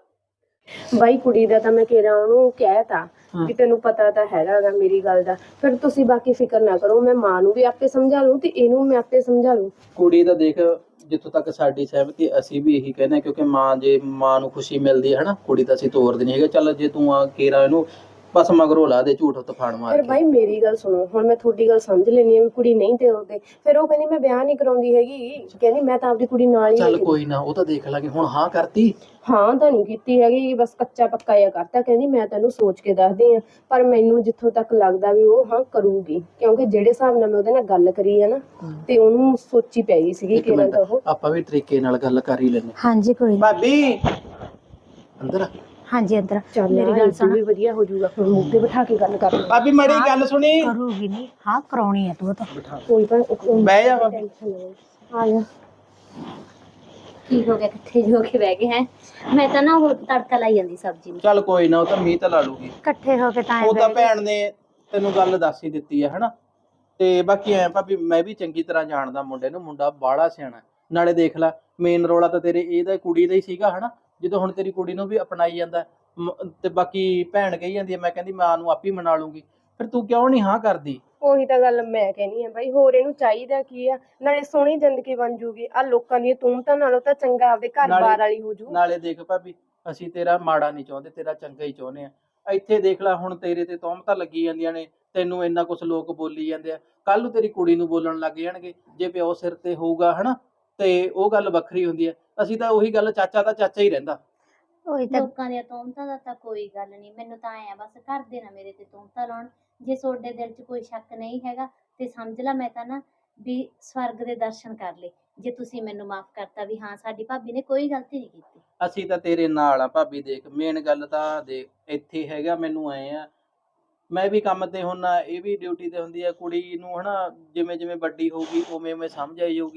Speaker 4: ਬਾਈ ਕੁੜੀ ਦਾ ਤਾਂ ਮੈਂ ਕਿਹਾ ਉਹਨੂੰ ਕਹਿਤਾ ਵੀ ਤੈਨੂੰ ਪਤਾ ਤਾਂ ਹੈਗਾ ਗਾ ਮੇਰੀ ਗੱਲ ਦਾ, ਫਿਰ ਤੁਸੀਂ ਬਾਕੀ ਫਿਕਰ ਨਾ ਕਰੋ। ਮੈਂ ਮਾਂ ਨੂੰ ਵੀ ਆਪੇ ਸਮਝਾ ਲੂੰ ਤੇ ਇਹਨੂੰ ਮੈਂ ਆਪੇ ਸਮਝਾ ਲੂੰ।
Speaker 3: ਕੁੜੀ ਦਾ ਦੇਖ, ਜਿੱਥੋਂ ਤੱਕ ਸਾਡੀ ਸਹਿਮਤੀ, ਅਸੀਂ ਵੀ ਇਹੀ ਕਹਿੰਦੇ ਹਾਂ, ਕਿਉਂਕਿ ਮਾਂ, ਜੇ ਮਾਂ ਨੂੰ ਖੁਸ਼ੀ ਮਿਲਦੀ ਹੈ ਹਨਾ, ਕੁੜੀ ਤਾਂ ਅਸੀਂ ਤੋਰਦੇ ਨਹੀਂ ਹੈਗੇ। ਚੱਲ ਜੇ ਤੂੰ ਆ ਕੇਰਾ ਇਹਨੂੰ ਬਸ ਮਗਰੋਂ ਲਾ ਦੇ ਝੂਠ ਤਫਾਨ ਮਾਰ
Speaker 4: ਫਿਰ
Speaker 3: ਕੇ।
Speaker 4: ਬਾਈ ਮੇਰੀ ਗੱਲ ਸੁਣੋ, ਹੁਣ ਮੈਂ ਤੁਹਾਡੀ ਗੱਲ ਸਮਝ ਲੈਣੀ ਆ ਵੀ ਕੁੜੀ ਨਹੀਂ ਤੋਰਦੇ, ਫਿਰ ਉਹ ਕਹਿੰਦੀ ਮੈਂ ਵਿਆਹ ਨਹੀਂ ਕਰਾਉਂਦੀ ਹੈਗੀ, ਕਹਿੰਦੀ ਮੈਂ ਤਾਂ ਆਪਦੀ ਕੁੜੀ ਨਾਲ ਹੀ
Speaker 3: ਚੱਲ
Speaker 4: ਲੈ ਕੇ-
Speaker 3: ਕੋਈ ਨਾ, ਉਹ ਤਾਂ ਦੇਖ ਲਾਂਗੇ। ਹੁਣ ਹਾਂ ਕਰਤੀ?
Speaker 4: ਹਾਂ ਤਾਂ ਨਹੀਂ ਕੀਤੀ ਹੈਗੀ, ਬਸ ਕੱਚਾ ਪੱਕਾ ਜਿਹਾ ਕਰਤਾ। ਕਹਿੰਦੀ ਮੈਂ ਤੈਨੂੰ ਸੋਚ ਕੇ ਦੱਸਦੀ ਆ, ਪਰ ਮੈਨੂੰ ਜਿੱਥੋਂ ਤੱਕ ਲੱਗਦਾ ਵੀ ਉਹ ਹਾਂ ਕਰੂਗੀ, ਕਿਉਂਕਿ ਜਿਹੜੇ ਹਿਸਾਬ ਨਾਲ ਮੈਂ ਉਹਦੇ ਨਾਲ ਗੱਲ ਕਰੀ ਹੈ ਨਾ, ਤੇ ਉਹਨੂੰ ਸੋਚੀ ਪੈ ਗਈ ਸੀਗੀ
Speaker 3: ਇੱਕ
Speaker 4: ਕਿ
Speaker 3: ਮਿੰਟ,
Speaker 4: ਤਾਂ ਉਹ
Speaker 3: ਆਪਾਂ ਵੀ ਤਰੀਕੇ ਨਾਲ ਗੱਲ ਕਰ ਹੀ ਲੈਨੇ।
Speaker 2: ਹਾਂਜੀ ਕੋਈ ਨੀ।
Speaker 3: ਭਾਬੀ ਅੰਦਰ ਆ।
Speaker 2: ਹਾਂਜੀ ਅੰਦਰ
Speaker 4: ਚੱਲ
Speaker 2: ਮੇਰੀ ਗੱਲ ਸੁਣ,
Speaker 4: ਵੀ ਵਧੀਆ ਹੋ ਜਾਊਗਾ। ਹੁਣ ਮੁੱਦੇ ਬਿਠਾ ਕੇ ਗੱਲ ਕਰ ਲਓ।
Speaker 3: ਭਾਬੀ ਮੇਰੀ ਗੱਲ ਸੁਣੀ।
Speaker 2: ਕਰੂਗੀ ਨਹੀਂ, ਹਾਂ ਕਰਾਉਣੀ ਹੈ ਤੂੰ ਤਾਂ।
Speaker 4: ਕੋਈ ਤਾਂ
Speaker 3: ਬਹਿ ਜਾ ਭਾਬੀ।
Speaker 4: ਟੈਨਸ਼ਨ ਨਾ ਲਓ। ਆ ਜਾ।
Speaker 1: ਕੀ ਹੋ ਗਿਆ, ਕਿੱਥੇ ਜੋ ਕੇ ਬਹਿ ਗਏ ਹੈ? ਮੈਂ ਤਾਂ ਨਾ ਉਹ ਤੜਕਾ ਲਾਈ ਜਾਂਦੀ ਸਬਜ਼ੀ ਨੂੰ।
Speaker 3: ਚੱਲ ਕੋਈ ਨਾ, ਉਹ ਤਾਂ ਮੀਂਹ ਤਾਂ ਲਾ ਲੂਗੀ।
Speaker 2: ਇਕੱਠੇ ਹੋ ਕੇ ਤਾਂ
Speaker 3: ਉਹ ਤਾਂ ਭੈਣ ਨੇ ਤੈਨੂੰ ਗੱਲ ਦੱਸ ਹੀ ਦਿੱਤੀ ਹੈ ਹਨਾ। ਤੇ ਬਾਕੀ ਐ ਭਾਬੀ, ਮੈਂ ਵੀ ਚੰਗੀ ਤਰ੍ਹਾਂ ਜਾਣਦਾ ਮੁੰਡੇ ਨੂੰ, ਮੁੰਡਾ ਬਾਹਲਾ ਸਿਆਣਾ। ਨਾਲੇ ਦੇਖ ਲੈ, ਮੇਨ ਰੋਲਾ ਤਾਂ ਤੇਰੇ ਇਹਦਾ ਕੁੜੀ ਦਾ ਹੀ ਸੀਗਾ ਹਨਾ। ਜਦੋਂ ਹੁਣ ਤੇਰੀ ਕੁੜੀ ਨੂੰ ਵੀ ਅਪਣਾਈ ਜਾਂਦਾ, ਤੇ ਬਾਕੀ ਭੈਣ ਕਹੀ ਜਾਂਦੀ ਹੈ ਮੈਂ ਕਹਿੰਦੀ ਮਾਂ ਨੂੰ ਆਪੇ ਮਨਾ ਲੂੰਗੀ, ਫਿਰ ਤੂੰ ਕਿਉਂ ਨਹੀਂ ਹਾਂ ਕਰਦੀ?
Speaker 4: ਉਹੀ ਤਾਂ ਗੱਲ ਮੈਂ ਕਹਿਨੀ ਆ ਬਾਈ, ਹੋਰ ਇਹਨੂੰ ਚਾਹੀਦਾ ਕੀ ਆ? ਨਾਲੇ ਸੋਹਣੀ ਜ਼ਿੰਦਗੀ ਬਣ ਜੂਗੀ, ਆ ਲੋਕਾਂ ਦੀਆਂ ਤੂਮਤਾਂ ਨਾਲੋਂ ਤਾਂ ਚੰਗਾ ਆਪਦੇ ਘਰ-ਬਾਰ ਵਾਲੀ ਹੋ ਜੂ।
Speaker 3: ਨਾਲੇ ਦੇਖ ਭਾਬੀ, ਅਸੀਂ ਤੇਰਾ ਮਾੜਾ ਨਹੀਂ ਚਾਹੁੰਦੇ, ਤੇਰਾ ਚੰਗਾ ਹੀ ਚਾਹੁੰਦੇ ਆ। ਇੱਥੇ ਦੇਖ ਲੈ, ਹੁਣ ਤੇਰੇ ਤੇ ਤੌਮਤਾਂ ਲੱਗੀ ਜਾਂਦੀਆਂ ਨੇ, ਤੈਨੂੰ ਇੰਨਾ ਕੁਛ ਲੋਕ ਬੋਲੀ ਜਾਂਦੇ ਆ, ਕੱਲ ਨੂੰ ਤੇਰੀ ਕੁੜੀ ਨੂੰ ਬੋਲਣ ਲੱਗ ਜਾਣਗੇ। ਜੇ ਪਿਓ ਸਿਰ ਤੇ ਹੋਊਗਾ ਹਨਾ, ਤੇ ਉਹ ਗੱਲ ਵੱਖਰੀ ਹੁੰਦੀ ਹੈ। ਅਸੀਂ ਤਾਂ ਉਹੀ ਗੱਲ, ਚਾਚਾ ਤਾਂ ਚਾਚਾ ਹੀ ਰਹਿੰਦਾ।
Speaker 2: ਉਹੀ ਤਾਂ
Speaker 1: ਲੋਕਾਂ ਦੀਆਂ ਤੋਮਤਾਂ ਦਾ ਤਾਂ ਕੋਈ ਗੱਲ ਨਹੀਂ, ਮੈਨੂੰ ਤਾਂ ਐ ਬਸ ਘਰ ਦੇ ਨਾ ਮੇਰੇ ਤੇ ਤੋਮਤਾਂ ਲਾਉਣ। ਜੇ ਤੁਹਾਡੇ ਦਿਲ 'ਚ ਕੋਈ ਸ਼ੱਕ ਨਹੀਂ ਹੈਗਾ ਤੇ ਸਮਝ ਲਾ ਮੈਂ ਤਾਂ ਨਾ ਵੀ ਸਵਰਗ ਦੇ ਦਰਸ਼ਨ ਕਰ ਲਏ, ਜੇ ਤੁਸੀਂ ਮੈਨੂੰ ਮਾਫ ਕਰਤਾ ਵੀ ਹਾਂ ਸਾਡੀ ਭਾਬੀ ਨੇ ਕੋਈ ਗਲਤੀ ਨਹੀਂ ਕੀਤੀ।
Speaker 3: ਅਸੀਂ ਤਾਂ ਤੇਰੇ ਨਾਲ ਆ ਭਾਬੀ। ਦੇਖ ਮੇਨ ਗੱਲ ਤਾਂ ਦੇਖ ਇੱਥੇ ਹੈਗਾ, ਮੈਨੂੰ ਐ ਆ, ਮੈਂ ਵੀ ਕੰਮ ਤੇ ਹੁੰਨਾ, ਇਹ ਵੀ ਡਿਊਟੀ ਤੇ ਹੁੰਦੀ ਹੈ। ਕੁੜੀ ਨੂੰ ਹਨਾ ਜਿਵੇਂ ਜਿਵੇਂ ਵੱਡੀ ਹੋਊਗੀ ਉਵੇਂ ਉਵੇਂ ਸਮਝ ਆਈ ਜਾਊਗੀ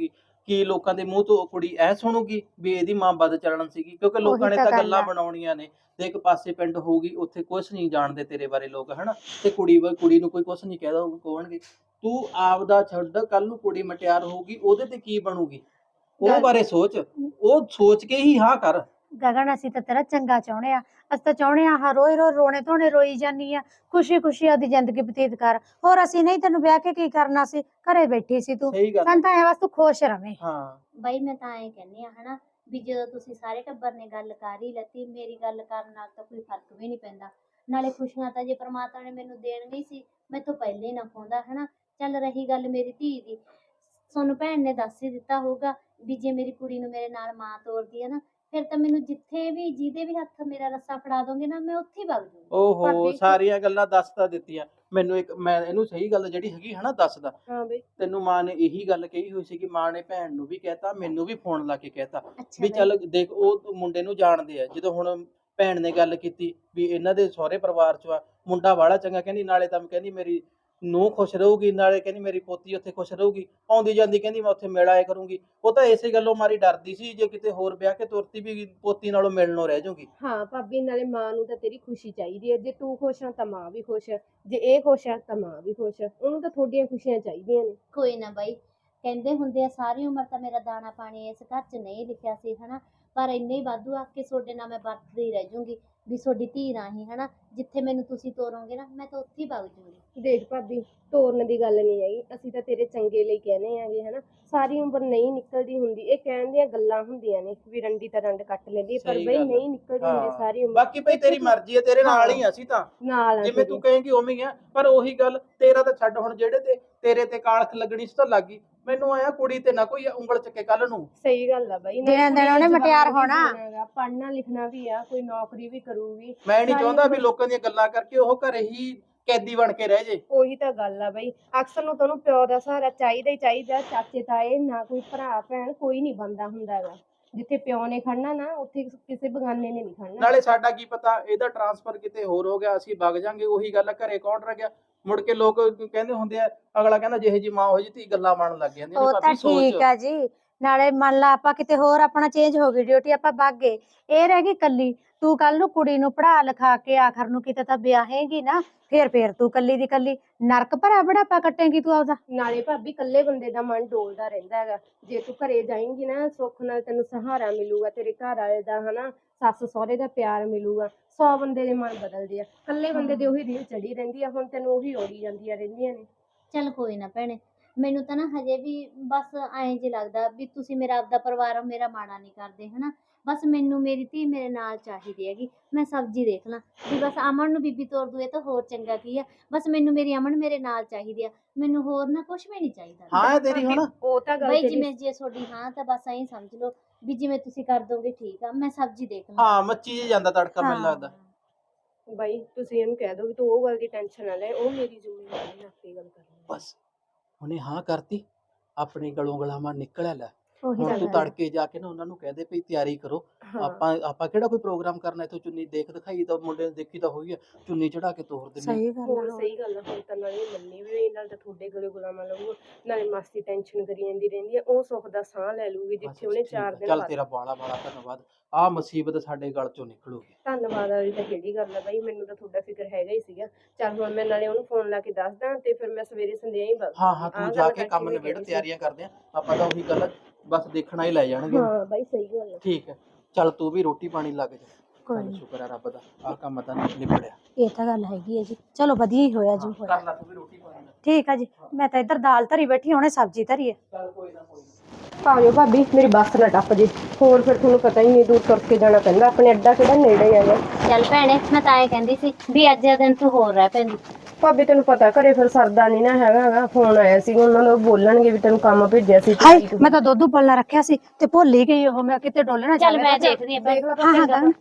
Speaker 3: ਕੀ ਲੋਕਾਂ ਦੇ ਮੂੰਹ ਤੋਂ ਕੁੜੀ ਐ ਸੁਣੂਗੀ ਵੀ ਇਹਦੀ ਮਾਂ ਵੱਧ ਚੱਲਣ ਸੀਗੀ, ਕਿਉਂਕਿ ਲੋਕਾਂ ਨੇ
Speaker 1: ਤਾਂ
Speaker 3: ਤਾਂ
Speaker 1: ਗੱਲ
Speaker 3: ਗੱਲਾਂ
Speaker 1: ਆ।
Speaker 3: ਬਣਾਉਣੀਆਂ ਨੇ। ਤੇ ਇੱਕ ਪਾਸੇ ਪਿੰਡ ਹੋਊਗੀ, ਉੱਥੇ ਕੁਛ ਨਹੀਂ ਜਾਣਦੇ ਤੇਰੇ ਬਾਰੇ ਲੋਕ, ਹਨਾ। ਤੇ ਕੁੜੀ ਵਾ- ਕੁੜੀ ਨੂੰ ਕੋਈ ਕੁਛ ਨਹੀਂ ਕਹਿਦਾ ਕੋਣਗੇ। ਤੂੰ ਆਪਦਾ ਛੱਡ, ਕੱਲ ਨੂੰ ਕੁੜੀ ਮਟਿਆਰ ਹੋਊਗੀ, ਉਹਦੇ ਤੇ ਕੀ ਬਣੂਗੀ, ਉਹ
Speaker 2: ਗੱਲ-
Speaker 3: ਬਾਰੇ ਸੋਚ। ਉਹ ਸੋਚ ਕੇ ਹੀ ਹਾਂ ਕਰ।
Speaker 2: ਗਗਨ ਅਸੀਂ ਤਾਂ ਤੇਰਾ ਚੰਗਾ ਚਾਹੁੰਦੇ ਆ, ਅਸੀਂ ਤਾਂ ਚਾਹੁੰਦੇ ਆ ਆਹ ਰੋਈ ਰੋ ਰੋਣੇ ਧੋਣੇ ਰੋਈ ਜਾਨੀ ਆ, ਖੁਸ਼ੀ ਖੁਸ਼ੀ ਆਪਦੀ ਜ਼ਿੰਦਗੀ ਬਤੀਤ ਕਰ। ਹੋਰ ਅਸੀਂ ਨਹੀਂ ਤੈਨੂੰ ਵਿਆਹ ਕੇ ਕੀ ਕਰਨਾ ਸੀ, ਘਰੇ ਬੈਠੀ ਸੀ ਤੂੰ।
Speaker 3: ਸਹੀ ਗੱਲ
Speaker 2: ਸਾਨੂੰ ਤਾਂ ਐ ਬਸ ਤੂੰ ਖੁਸ਼ ਰਵੇਂ।
Speaker 3: ਹਾਂ
Speaker 1: ਬਾਈ ਮੈਂ ਤਾਂ ਐਂ ਕਹਿੰਦੀ ਆ ਹਨਾ ਵੀ ਜਦੋਂ ਤੁਸੀਂ ਸਾਰੇ ਟੱਬਰ ਨੇ ਗੱਲ ਕਰ ਹੀ ਲੱਤੀ, ਮੇਰੀ ਗੱਲ ਕਰਨ ਨਾਲ ਤਾਂ ਕੋਈ ਫਰਕ ਵੀ ਨਹੀਂ ਪੈਂਦਾ। ਨਾਲੇ ਖੁਸ਼ੀਆਂ ਤਾਂ ਜੇ ਪ੍ਰਮਾਤਮਾ ਨੇ ਮੈਨੂੰ ਦੇਣੀਆਂ ਹੀ ਸੀ, ਮੈਥੋਂ ਪਹਿਲੇ ਹੀ ਨਾ ਖੋਂਦਾ ਹਨਾ। ਚੱਲ ਰਹੀ ਗੱਲ ਮੇਰੀ ਧੀ ਦੀ, ਤੁਹਾਨੂੰ ਭੈਣ ਨੇ ਦੱਸ ਹੀ ਦਿੱਤਾ ਹੋਊਗਾ ਵੀ ਜੇ ਮੇਰੀ ਕੁੜੀ ਨੂੰ ਮੇਰੇ ਨਾਲ ਮਾਂ ਤੋਰਦੀ ਹੈ ਨਾ, ਫਿਰ ਤਾਂ ਮੈਨੂੰ ਜਿੱਥੇ ਵੀ ਜਿਹਦੇ ਵੀ ਹੱਥ ਮੇਰਾ ਰੱਸਾ ਫੜਾ ਦੋਗੇ ਨਾ, ਮੈਂ ਉੱਥੇ ਹੀ ਵਗ ਜੂੰਗੀ।
Speaker 3: ਓਹੋ
Speaker 4: ਭਾਬੀ-
Speaker 3: ਸਾਰੀਆਂ ਗੱਲਾਂ ਦੱਸ ਤਾਂ ਦਿੱਤੀਆਂ ਮੈਨੂੰ। ਇੱਕ ਮੈਂ ਇਹਨੂੰ ਸਹੀ ਗੱਲ ਜਿਹੜੀ ਹੈਗੀ ਹਨਾ ਦੱਸਦਾ।
Speaker 4: ਹਾਂ ਬਈ
Speaker 3: ਤੈਨੂੰ ਮਾਂ ਨੇ ਇਹੀ ਗੱਲ ਕਹੀ ਹੋਈ ਸੀ ਕਿ ਮਾਂ ਨੇ ਭੈਣ ਨੂੰ ਵੀ ਕਹਿਤਾ, ਮੈਨੂੰ ਵੀ ਫੋਨ ਲਾ ਕੇ ਕਹਿਤਾ
Speaker 1: ਅੱਛਾ
Speaker 3: ਵੀ
Speaker 1: ਬਾਈ।
Speaker 3: ਚੱਲ ਦੇਖ, ਉਹ ਮੁੰਡੇ ਨੂੰ ਜਾਣਦੇ ਆ। ਜਦੋਂ ਹੁਣ ਭੈਣ ਨੇ ਗੱਲ ਕੀਤੀ ਵੀ ਇਹਨਾਂ ਦੇ ਸਹੁਰੇ ਪਰਿਵਾਰ ਚ ਆ, ਮੁੰਡਾ ਵਾਲਾ ਚੰਗਾ, ਕਹਿੰਦੀ ਨਾਲੇ ਤਾਂ ਕਹਿੰਦੀ ਮੇਰੀ ਨੂੰਹ ਖੁਸ਼ ਰਹੂਗੀ, ਨਾਲੇ ਕਹਿੰਦੀ ਮੇਰੀ ਪੋਤੀ ਉੱਥੇ ਖੁਸ਼ ਰਹੂਗੀ, ਆਉਂਦੀ ਜਾਂਦੀ ਕਹਿੰਦੀ ਮੈਂ ਉੱਥੇ ਮਿਲ ਆਇਆ ਕਰੂੰਗੀ। ਉਹ ਤਾਂ ਇਸੇ ਗੱਲੋਂ ਮਾਰੀ ਡਰਦੀ ਸੀ ਜੇ ਕਿਤੇ ਹੋਰ ਵਿਆਹ ਕੇ ਤੁਰਤੀ ਵੀ ਪੋਤੀ ਨਾਲੋਂ ਮਿਲਣੋਂ ਰਹਿ ਜਾਊਗੀ।
Speaker 4: ਹਾਂ ਭਾਬੀ, ਨਾਲੇ ਮਾਂ ਨੂੰ ਤਾਂ ਤੇਰੀ ਖੁਸ਼ੀ ਚਾਹੀਦੀ ਹੈ। ਜੇ ਤੂੰ ਖੁਸ਼ ਆ ਤਾਂ ਮਾਂ ਵੀ ਖੁਸ਼ ਹੈ, ਜੇ ਇਹ ਖੁਸ਼ ਆ ਤਾਂ ਮਾਂ ਵੀ ਖੁਸ਼ ਹੈ। ਉਹਨੂੰ ਤਾਂ ਤੁਹਾਡੀਆਂ ਖੁਸ਼ੀਆਂ ਚਾਹੀਦੀਆਂ ਨੇ।
Speaker 1: ਕੋਈ ਨਾ ਬਾਈ, ਕਹਿੰਦੇ ਹੁੰਦੇ ਆ ਸਾਰੀ ਉਮਰ ਤਾਂ ਮੇਰਾ ਦਾਣਾ ਪਾਣੀ ਇਸ ਘਰ 'ਚ ਨਹੀਂ ਲਿਖਿਆ ਸੀ ਹਨਾ, ਪਰ ਇੰਨੇ ਹੀ ਵਾਧੂ ਆ ਕਿ ਤੁਹਾਡੇ ਨਾਲ ਮੈਂ ਵਰਤਦੀ ਰਹਿ ਜੂੰਗੀ ਵੀ ਤੁਹਾਡੀ ਧੀ ਰਾਹੀਂ ਹਨਾ। ਜਿੱਥੇ ਮੈਨੂੰ ਤੁਸੀਂ ਤੋਰੋਗੇ ਨਾ, ਮੈਂ ਤਾਂ ਉੱਥੇ ਹੀ ਵਗ ਜੂੰਗੀ।
Speaker 4: ਦੇਖ ਭਾਬੀ, ਤੋਰਨ ਦੀ ਗੱਲ ਨਹੀਂ ਹੈਗੀ, ਅਸੀਂ ਤਾਂ ਤੇਰੇ ਚੰਗੇ ਲਈ ਕਹਿੰਦੇ ਆਂਗੇ ਹਨਾ। ਸਾਰੀ ਉਮਰ ਨਹੀਂ ਨਿਕਲਦੀ ਹੁੰਦੀ, ਇਹ ਕਹਿਣ ਦੀਆਂ ਗੱਲਾਂ ਹੁੰਦੀਆਂ ਨੇ ਵੀ ਰੰਡੀ ਤਾਂ ਰੰਡ ਕੱਟ ਲੈਂਦੀ ਹੈ, ਪਰ
Speaker 3: ਸਹੀ
Speaker 4: ਬਈ
Speaker 3: ਗੱਲ ਆ।
Speaker 4: ਨਹੀਂ ਨਿਕਲਦੀ ਹੁੰਦੀ
Speaker 3: ਹਾਂ।
Speaker 4: ਸਾਰੀ ਉਮਰ।
Speaker 3: ਬਾਕੀ ਭਈ ਤੇਰੀ ਮਰਜ਼ੀ ਹੈ, ਤੇਰੇ ਨਾਲ ਹੀ ਆ ਅਸੀਂ ਤਾਂ,
Speaker 4: ਨਾਲ ਆ
Speaker 3: ਜਿਵੇਂ
Speaker 4: ਤੇਰੀ।
Speaker 3: ਤੂੰ ਕਹੇਂਗੀ ਉਵੇਂ ਹੀ ਆ। ਪਰ ਉਹੀ ਗੱਲ, ਤੇਰਾ ਤਾਂ ਛੱਡ, ਹੁਣ ਜਿਹੜੇ ਤੇ ਤੇਰੇ ਤੇ ਕਾਲਖ ਲੱਗਣੀ ਸੀ ਤਾਂ ਲੱਗ ਗਈ। ਮੈਨੂੰ ਆਇਆ ਕੁੜੀ ਤੇ ਨਾ ਕੋਈ ਉਂਗਲ ਚੱਕੇ ਕੱਲ ਨੂੰ।
Speaker 4: ਸਹੀ ਗੱਲ ਆ ਬਾਈ,
Speaker 2: ਦਿਨ ਦਿਨ ਉਹਨੇ ਮਟਿਆਰ ਹੋਣਾ।
Speaker 4: ਪੜ੍ਹਨਾ ਲਿਖਣਾ ਵੀ ਆ, ਕੋਈ ਨੌਕਰੀ ਵੀ ਕਰੂਗੀ।
Speaker 3: ਮੈਂ ਨਹੀਂ
Speaker 4: ਸਾਰੀ
Speaker 3: ਚਾਹੁੰਦਾ ਵੀ
Speaker 4: ਉਮਰ-
Speaker 3: ਲੋਕਾਂ ਦੀਆਂ ਗੱਲਾਂ ਕਰਕੇ ਉਹ ਘਰੇ ਹੀ ਕੈਦੀ ਬਣ ਕੇ ਰਹਿ ਜੇ।
Speaker 4: ਉਹੀ ਤਾਂ ਗੱਲ ਆ ਬਈ, ਅਕਸਰ ਨੂੰ ਤੁਹਾਨੂੰ ਪਿਓ ਦਾ ਸਹਾਰਾ ਚਾਹੀਦਾ ਹੀ ਚਾਹੀਦਾ। ਚਾਚੇ ਤਾਏ ਨਾ ਕੋਈ ਭਰਾ ਭੈਣ ਕੋਈ ਨਹੀਂ ਬਣਦਾ ਹੁੰਦਾ ਹੈਗਾ। ਜਿੱਥੇ ਪਿਓ ਨੇ ਖੜਨਾ ਨਾ, ਉੱਥੇ ਕਿਸੇ ਬਗਾਨੇ ਨੇ ਨਹੀਂ ਖੜਨਾ।
Speaker 3: ਨਾਲੇ ਸਾਡਾ ਕੀ ਪਤਾ ਇਹਦਾ ਟਰਾਂਸਫਰ ਕਿਤੇ ਹੋਰ ਹੋ ਗਿਆ, ਅਸੀਂ ਵਗ ਜਾਾਂਗੇ। ਉਹੀ ਗੱਲ ਆ, ਘਰੇ ਕੌਣ ਰਹਿ ਗਿਆ। ਮੁੜ ਕੇ ਲੋਕ ਕਹਿੰਦੇ ਹੁੰਦੇ ਆ, ਅਗਲਾ ਕਹਿੰਦਾ ਜਿਹੇ ਜੀ ਮਾਂ ਹੋ ਜੀ ਧੀ, ਗੱਲਾਂ ਬਣਨ ਲੱਗ ਜਾਂਦੀਆਂ ਨੇ।
Speaker 2: ਉਹ ਤਾਂ
Speaker 3: ਭਾਬੀ ਸੋਚ।
Speaker 2: ਠੀਕ ਆ ਜੀ, ਨਾਲੇ ਮੰਨ ਲਾ ਆਪਾਂ ਕਿਤੇ ਹੋਰ ਆਪਣਾ ਚੇਂਜ ਹੋ ਗਈ ਡਿਊਟੀ, ਆਪਾਂ ਵਗ ਗਏ, ਇਹ ਰਹਿ ਗਈ ਕੱਲੀ। ਤੂੰ ਕੱਲ ਨੂੰ ਕੁੜੀ ਨੂੰ ਪੜ੍ਹਾ ਲਿਖਾ ਕੇ ਆਖਰ ਨੂੰ ਕਿਤੇ ਤਾਂ ਵਿਆਹੇਂਗੀ ਨਾ, ਫੇਰ ਫੇਰ ਤੂੰ ਕੱਲੀ ਦੀ ਕੱਲੀ ਨਰਕ ਭਰਾ ਬੁਢਾਪਾ ਕੱਟੇਂਗੀ ਤੂੰ ਆਪਦਾ।
Speaker 4: ਨਾਲੇ ਭਾਬੀ, ਇਕੱਲੇ ਬੰਦੇ ਦਾ ਮਨ ਡੋਲਦਾ ਰਹਿੰਦਾ ਹੈਗਾ। ਜੇ ਤੂੰ ਘਰੇ ਜਾਏਂਗੀ ਨਾ, ਸੁੱਖ ਨਾਲ ਤੈਨੂੰ ਸਹਾਰਾ ਮਿਲੂਗਾ, ਤੇਰੇ ਘਰ ਵਾਲੇ ਦਾ ਹਨਾ, ਸੱਸ ਸਹੁਰੇ ਦਾ ਪਿਆਰ ਮਿਲੂਗਾ। ਸੌ ਬੰਦੇ ਦੇ ਮਨ ਬਦਲਦੇ ਆ, ਇਕੱਲੇ ਬੰਦੇ ਦੇ ਉਹੀ ਰੀਲ ਚੜੀ ਰਹਿੰਦੀ ਆ। ਹੁਣ ਤੈਨੂੰ ਉਹੀ ਓੜੀ ਜਾਂਦੀਆਂ ਰਹਿੰਦੀਆਂ ਨੇ।
Speaker 1: ਚੱਲ ਕੋਈ ਨਾ ਭੈਣੇ, ਮੈਨੂੰ ਤਾਂ ਨਾ ਹਜੇ ਵੀ ਬਸ ਐਂ ਜੇ ਲੱਗਦਾ ਵੀ ਤੁਸੀਂ ਮੇਰਾ ਆਪਦਾ ਪਰਿਵਾਰ ਮੇਰਾ ਮਾੜਾ ਨਹੀਂ ਕਰਦੇ ਹਨਾ। ਬਸ ਮੈਨੂੰ ਮੇਰੀ ਧੀ ਮੇਰੇ ਨਾਲ ਚਾਹੀਦੀ ਹੈਗੀ। ਮੈਂ ਸਬਜ਼ੀ ਦੇਖ ਲਾਂ ਵੀ ਬਸ ਅਮਨ ਨੂੰ ਬੀਬੀ ਤੋਰ ਦੂ, ਇਹ ਤਾਂ ਹੋਰ ਚੰਗਾ ਕੀ ਆ। ਬਸ ਮੈਨੂੰ ਮੇਰੀ ਅਮਨ ਮੇਰੇ ਨਾਲ ਚਾਹੀਦੀ ਆ, ਮੈਨੂੰ ਹੋਰ ਨਾ ਕੁਝ ਵੀ ਨਹੀਂ ਚਾਹੀਦਾ।
Speaker 3: ਹਾਂ ਤੇਰੀ ਹੁਣ
Speaker 4: ਉਹ ਤਾਂ ਗੱਲ
Speaker 1: ਬਈ
Speaker 4: ਤੇਰੀ
Speaker 1: ਜਿਵੇਂ ਜੇ ਤੁਹਾਡੀ ਹਾਂ ਤਾਂ ਬਸ ਐਂ ਸਮਝ ਲਓ ਵੀ ਜਿਵੇਂ ਤੁਸੀਂ ਕਰ ਦੋਗੇ ਠੀਕ ਆ। ਮੈਂ ਸਬਜ਼ੀ ਦੇਖ ਲਾਂ।
Speaker 3: ਹਾਂ ਮੱਚੀ ਜੇ ਜਾਂਦਾ ਤੜਕਾ ਮੈਨੂੰ
Speaker 2: ਹਾਂ।
Speaker 3: ਲੱਗਦਾ।
Speaker 4: ਬਾਈ, ਤੁਸੀਂ ਇਹਨੂੰ ਕਹਿ ਦੋ ਵੀ ਤੂੰ ਉਹ ਗੱਲ ਦੀ ਟੈਨਸ਼ਨ ਨਾ ਲੈ, ਉਹ ਮੇਰੀ ਜ਼ਿੰਮੇਵਾਰੀ ਹੈ, ਆਪੇ ਗੱਲ ਕਰ ਲਵਾਂਗੇ।
Speaker 3: ਬਸ ਉਹਨੇ ਹਾਂ ਕਰਤੀ, ਆਪਣੇ ਗਲੋਂ ਗਲਾਵਾਂ ਨਿਕਲਿਆ। ਲੈ
Speaker 2: ਉਹੀ
Speaker 3: ਹੁਣ
Speaker 2: ਤਾਂ
Speaker 3: ਤੂੰ
Speaker 2: ਗੱਲ ਆ।
Speaker 3: ਤੜਕੇ ਜਾ ਕੇ ਨਾ ਉਹਨਾਂ ਨੂੰ ਕਹਿ ਦੇ ਭਈ ਤਿਆਰੀ ਕਰੋ।
Speaker 4: ਹਾਂ।
Speaker 3: ਆਪਾਂ ਆਪਾਂ ਕਿਹੜਾ ਕੋਈ ਪ੍ਰੋਗਰਾਮ ਕਰਨਾ, ਇੱਥੋਂ ਚੁੰਨੀ ਦੇਖ ਦਿਖਾਈ ਤਾਂ ਮੁੰਡੇ ਨੂੰ ਦੇਖੀ ਤਾਂ ਹੋਈ ਆ, ਚੁੰਨੀ ਚੜਾ ਕੇ ਤੋਰ ਦਿੰਦੇ।
Speaker 2: ਸਹੀ ਗੱਲ
Speaker 4: ਹੋਰ
Speaker 2: ਆ।
Speaker 4: ਸਹੀ ਗੱਲ ਆ, ਹੁਣ ਤਾਂ ਨਾਲੇ ਮੰਨੀ ਵੀ ਨਾਲ ਤਾਂ ਤੁਹਾਡੇ ਗਲੇ ਗੁਲਾਮਾਂ ਲਊਗਾ, ਨਾਲੇ ਮਾਸੀ ਟੈਨਸ਼ਨ ਕਰੀ ਜਾਂਦੀ ਰਹਿੰਦੀ ਆ। ਉਹ ਸੁੱਖ ਦਾ ਸਾਹ ਲੈ ਲੂਗੀ
Speaker 3: ਬਸ
Speaker 4: ਜਿੱਥੇ ਉਹਨੇ
Speaker 3: ਠੀਕ
Speaker 4: ਚਾਰ
Speaker 3: ਆ।
Speaker 4: ਦਿਨ
Speaker 3: ਚੱਲ
Speaker 4: ਬਾਅਦ।
Speaker 3: ਤੇਰਾ ਬਾਲਾ ਬਾਲਾ ਧੰਨਵਾਦ। ਆਹ ਮੁਸੀਬਤ ਸਾਡੇ ਗਲ ਚੋਂ ਨਿਕਲੂਗੀ।
Speaker 4: ਧੰਨਵਾਦ ਵਾਲੀ ਤਾਂ ਕਿਹੜੀ ਗੱਲ ਆ ਬਾਈ, ਮੈਨੂੰ ਤਾਂ ਤੁਹਾਡਾ ਫਿਕਰ ਹੈਗਾ ਹੀ ਸੀਗਾ। ਚੱਲ ਹੁਣ ਮੈਂ ਨਾਲੇ ਉਹਨੂੰ ਫੋਨ ਲਾ ਕੇ ਦੱਸਦਾ, ਤੇ ਫਿਰ ਮੈਂ ਸਵੇਰੇ ਸੰਧਿਆ ਹੀ ਬਸ।
Speaker 3: ਹਾਂ ਹਾਂ ਤੂੰ ਜਾ ਕੇ ਕੰਮ ਨਿਬੇੜ, ਤਿਆਰੀਆਂ ਕਰਦੇ ਆ ਆਪਾਂ ਤਾਂ। ਉਹੀ ਗੱਲ ਆ, ਬਸ ਦੇਖਣਾ ਹੀ ਲੈ ਜਾਣਗੇ।
Speaker 4: ਹਾਂ ਬਾਈ, ਸਹੀ ਗੱਲ ਆ।
Speaker 3: ਠੀਕ ਹੈ, ਚੱਲ ਤੂੰ ਵੀ ਰੋਟੀ ਪਾਣੀ ਲੱਗ ਜਾ।
Speaker 2: ਕੋਈ
Speaker 3: ਚੱਲ
Speaker 2: ਨੀ।
Speaker 3: ਸ਼ੁਕਰ ਹੈ ਰੱਬ ਦਾ, ਆਹ ਕੰਮ ਤਾਂ ਨਿਬੜਿਆ।
Speaker 2: ਇਹ ਤਾਂ ਗੱਲ ਹੈਗੀ ਹੈ ਜੀ, ਚਲੋ ਵਧੀਆ ਹੀ ਹੋਇਆ ਜੋ ਹੋਇਆ।
Speaker 3: ਕਰ ਲੈ ਤੂੰ ਵੀ ਰੋਟੀ ਪਾਣੀ ਦਾ।
Speaker 2: ਠੀਕ ਆ ਜੀ, ਮੈਂ ਤਾਂ ਇੱਧਰ ਦਾਲ ਧਰੀ ਬੈਠੀ, ਹੁਣੇ ਸਬਜ਼ੀ ਧਰੀ ਹੈ।
Speaker 3: ਚੱਲ ਕੋਈ ਨਾ ਕੋਈ ਨਾ।
Speaker 4: ਆਜੋ ਭਾਬੀ, ਮੇਰੀ ਬੱਸ ਨਾ ਟੱਪ ਜੇ। ਹੋਰ ਫਿਰ ਤੁਹਾਨੂੰ ਪਤਾ ਹੀ ਨਹੀਂ, ਦੂਰ ਤੁਰ ਕੇ ਜਾਣਾ ਪੈਂਦਾ। ਆਪਣੇ ਅੱਡਾ ਕਿਹੜਾ ਨੇੜੇ ਹੈਗਾ।
Speaker 1: ਚੱਲ ਭੈਣੇ, ਮੈਂ ਤਾਂ ਐਂ ਕਹਿੰਦੀ ਸੀ ਵੀ ਅੱਜ ਦਾ ਦਿਨ ਤੂੰ ਹੋਰ ਰਹਿ ਪੈਂਦੀ।
Speaker 4: ਭਾਬੀ ਤੈਨੂੰ ਪਤਾ, ਘਰੇ ਫਿਰ ਸਰਦਾ ਨਹੀਂ ਨਾ ਹੈਗਾ ਹੈਗਾ। ਫੋਨ ਆਇਆ ਸੀ, ਉਹਨਾਂ ਨੂੰ ਬੋਲਣਗੇ ਵੀ ਤੈਨੂੰ ਕੰਮ ਭੇਜਿਆ ਸੀ।
Speaker 2: ਹਾਏ, ਮੈਂ ਤਾਂ ਦੁੱਧ ਉਬਲਣਾ ਰੱਖਿਆ ਸੀ ਤੇ ਭੁੱਲ ਹੀ ਗਈ। ਉਹ ਮੈਂ ਕਿਤੇ ਡੋਲਣਾ
Speaker 1: ਚੱਲ
Speaker 2: ਜਾਵੇ।
Speaker 1: ਮੈਂ ਦੇਖਦੀ ਆਂ ਭੈਣੇ।
Speaker 2: ਹਾਂ ਹਾਂ ਗਗਨ,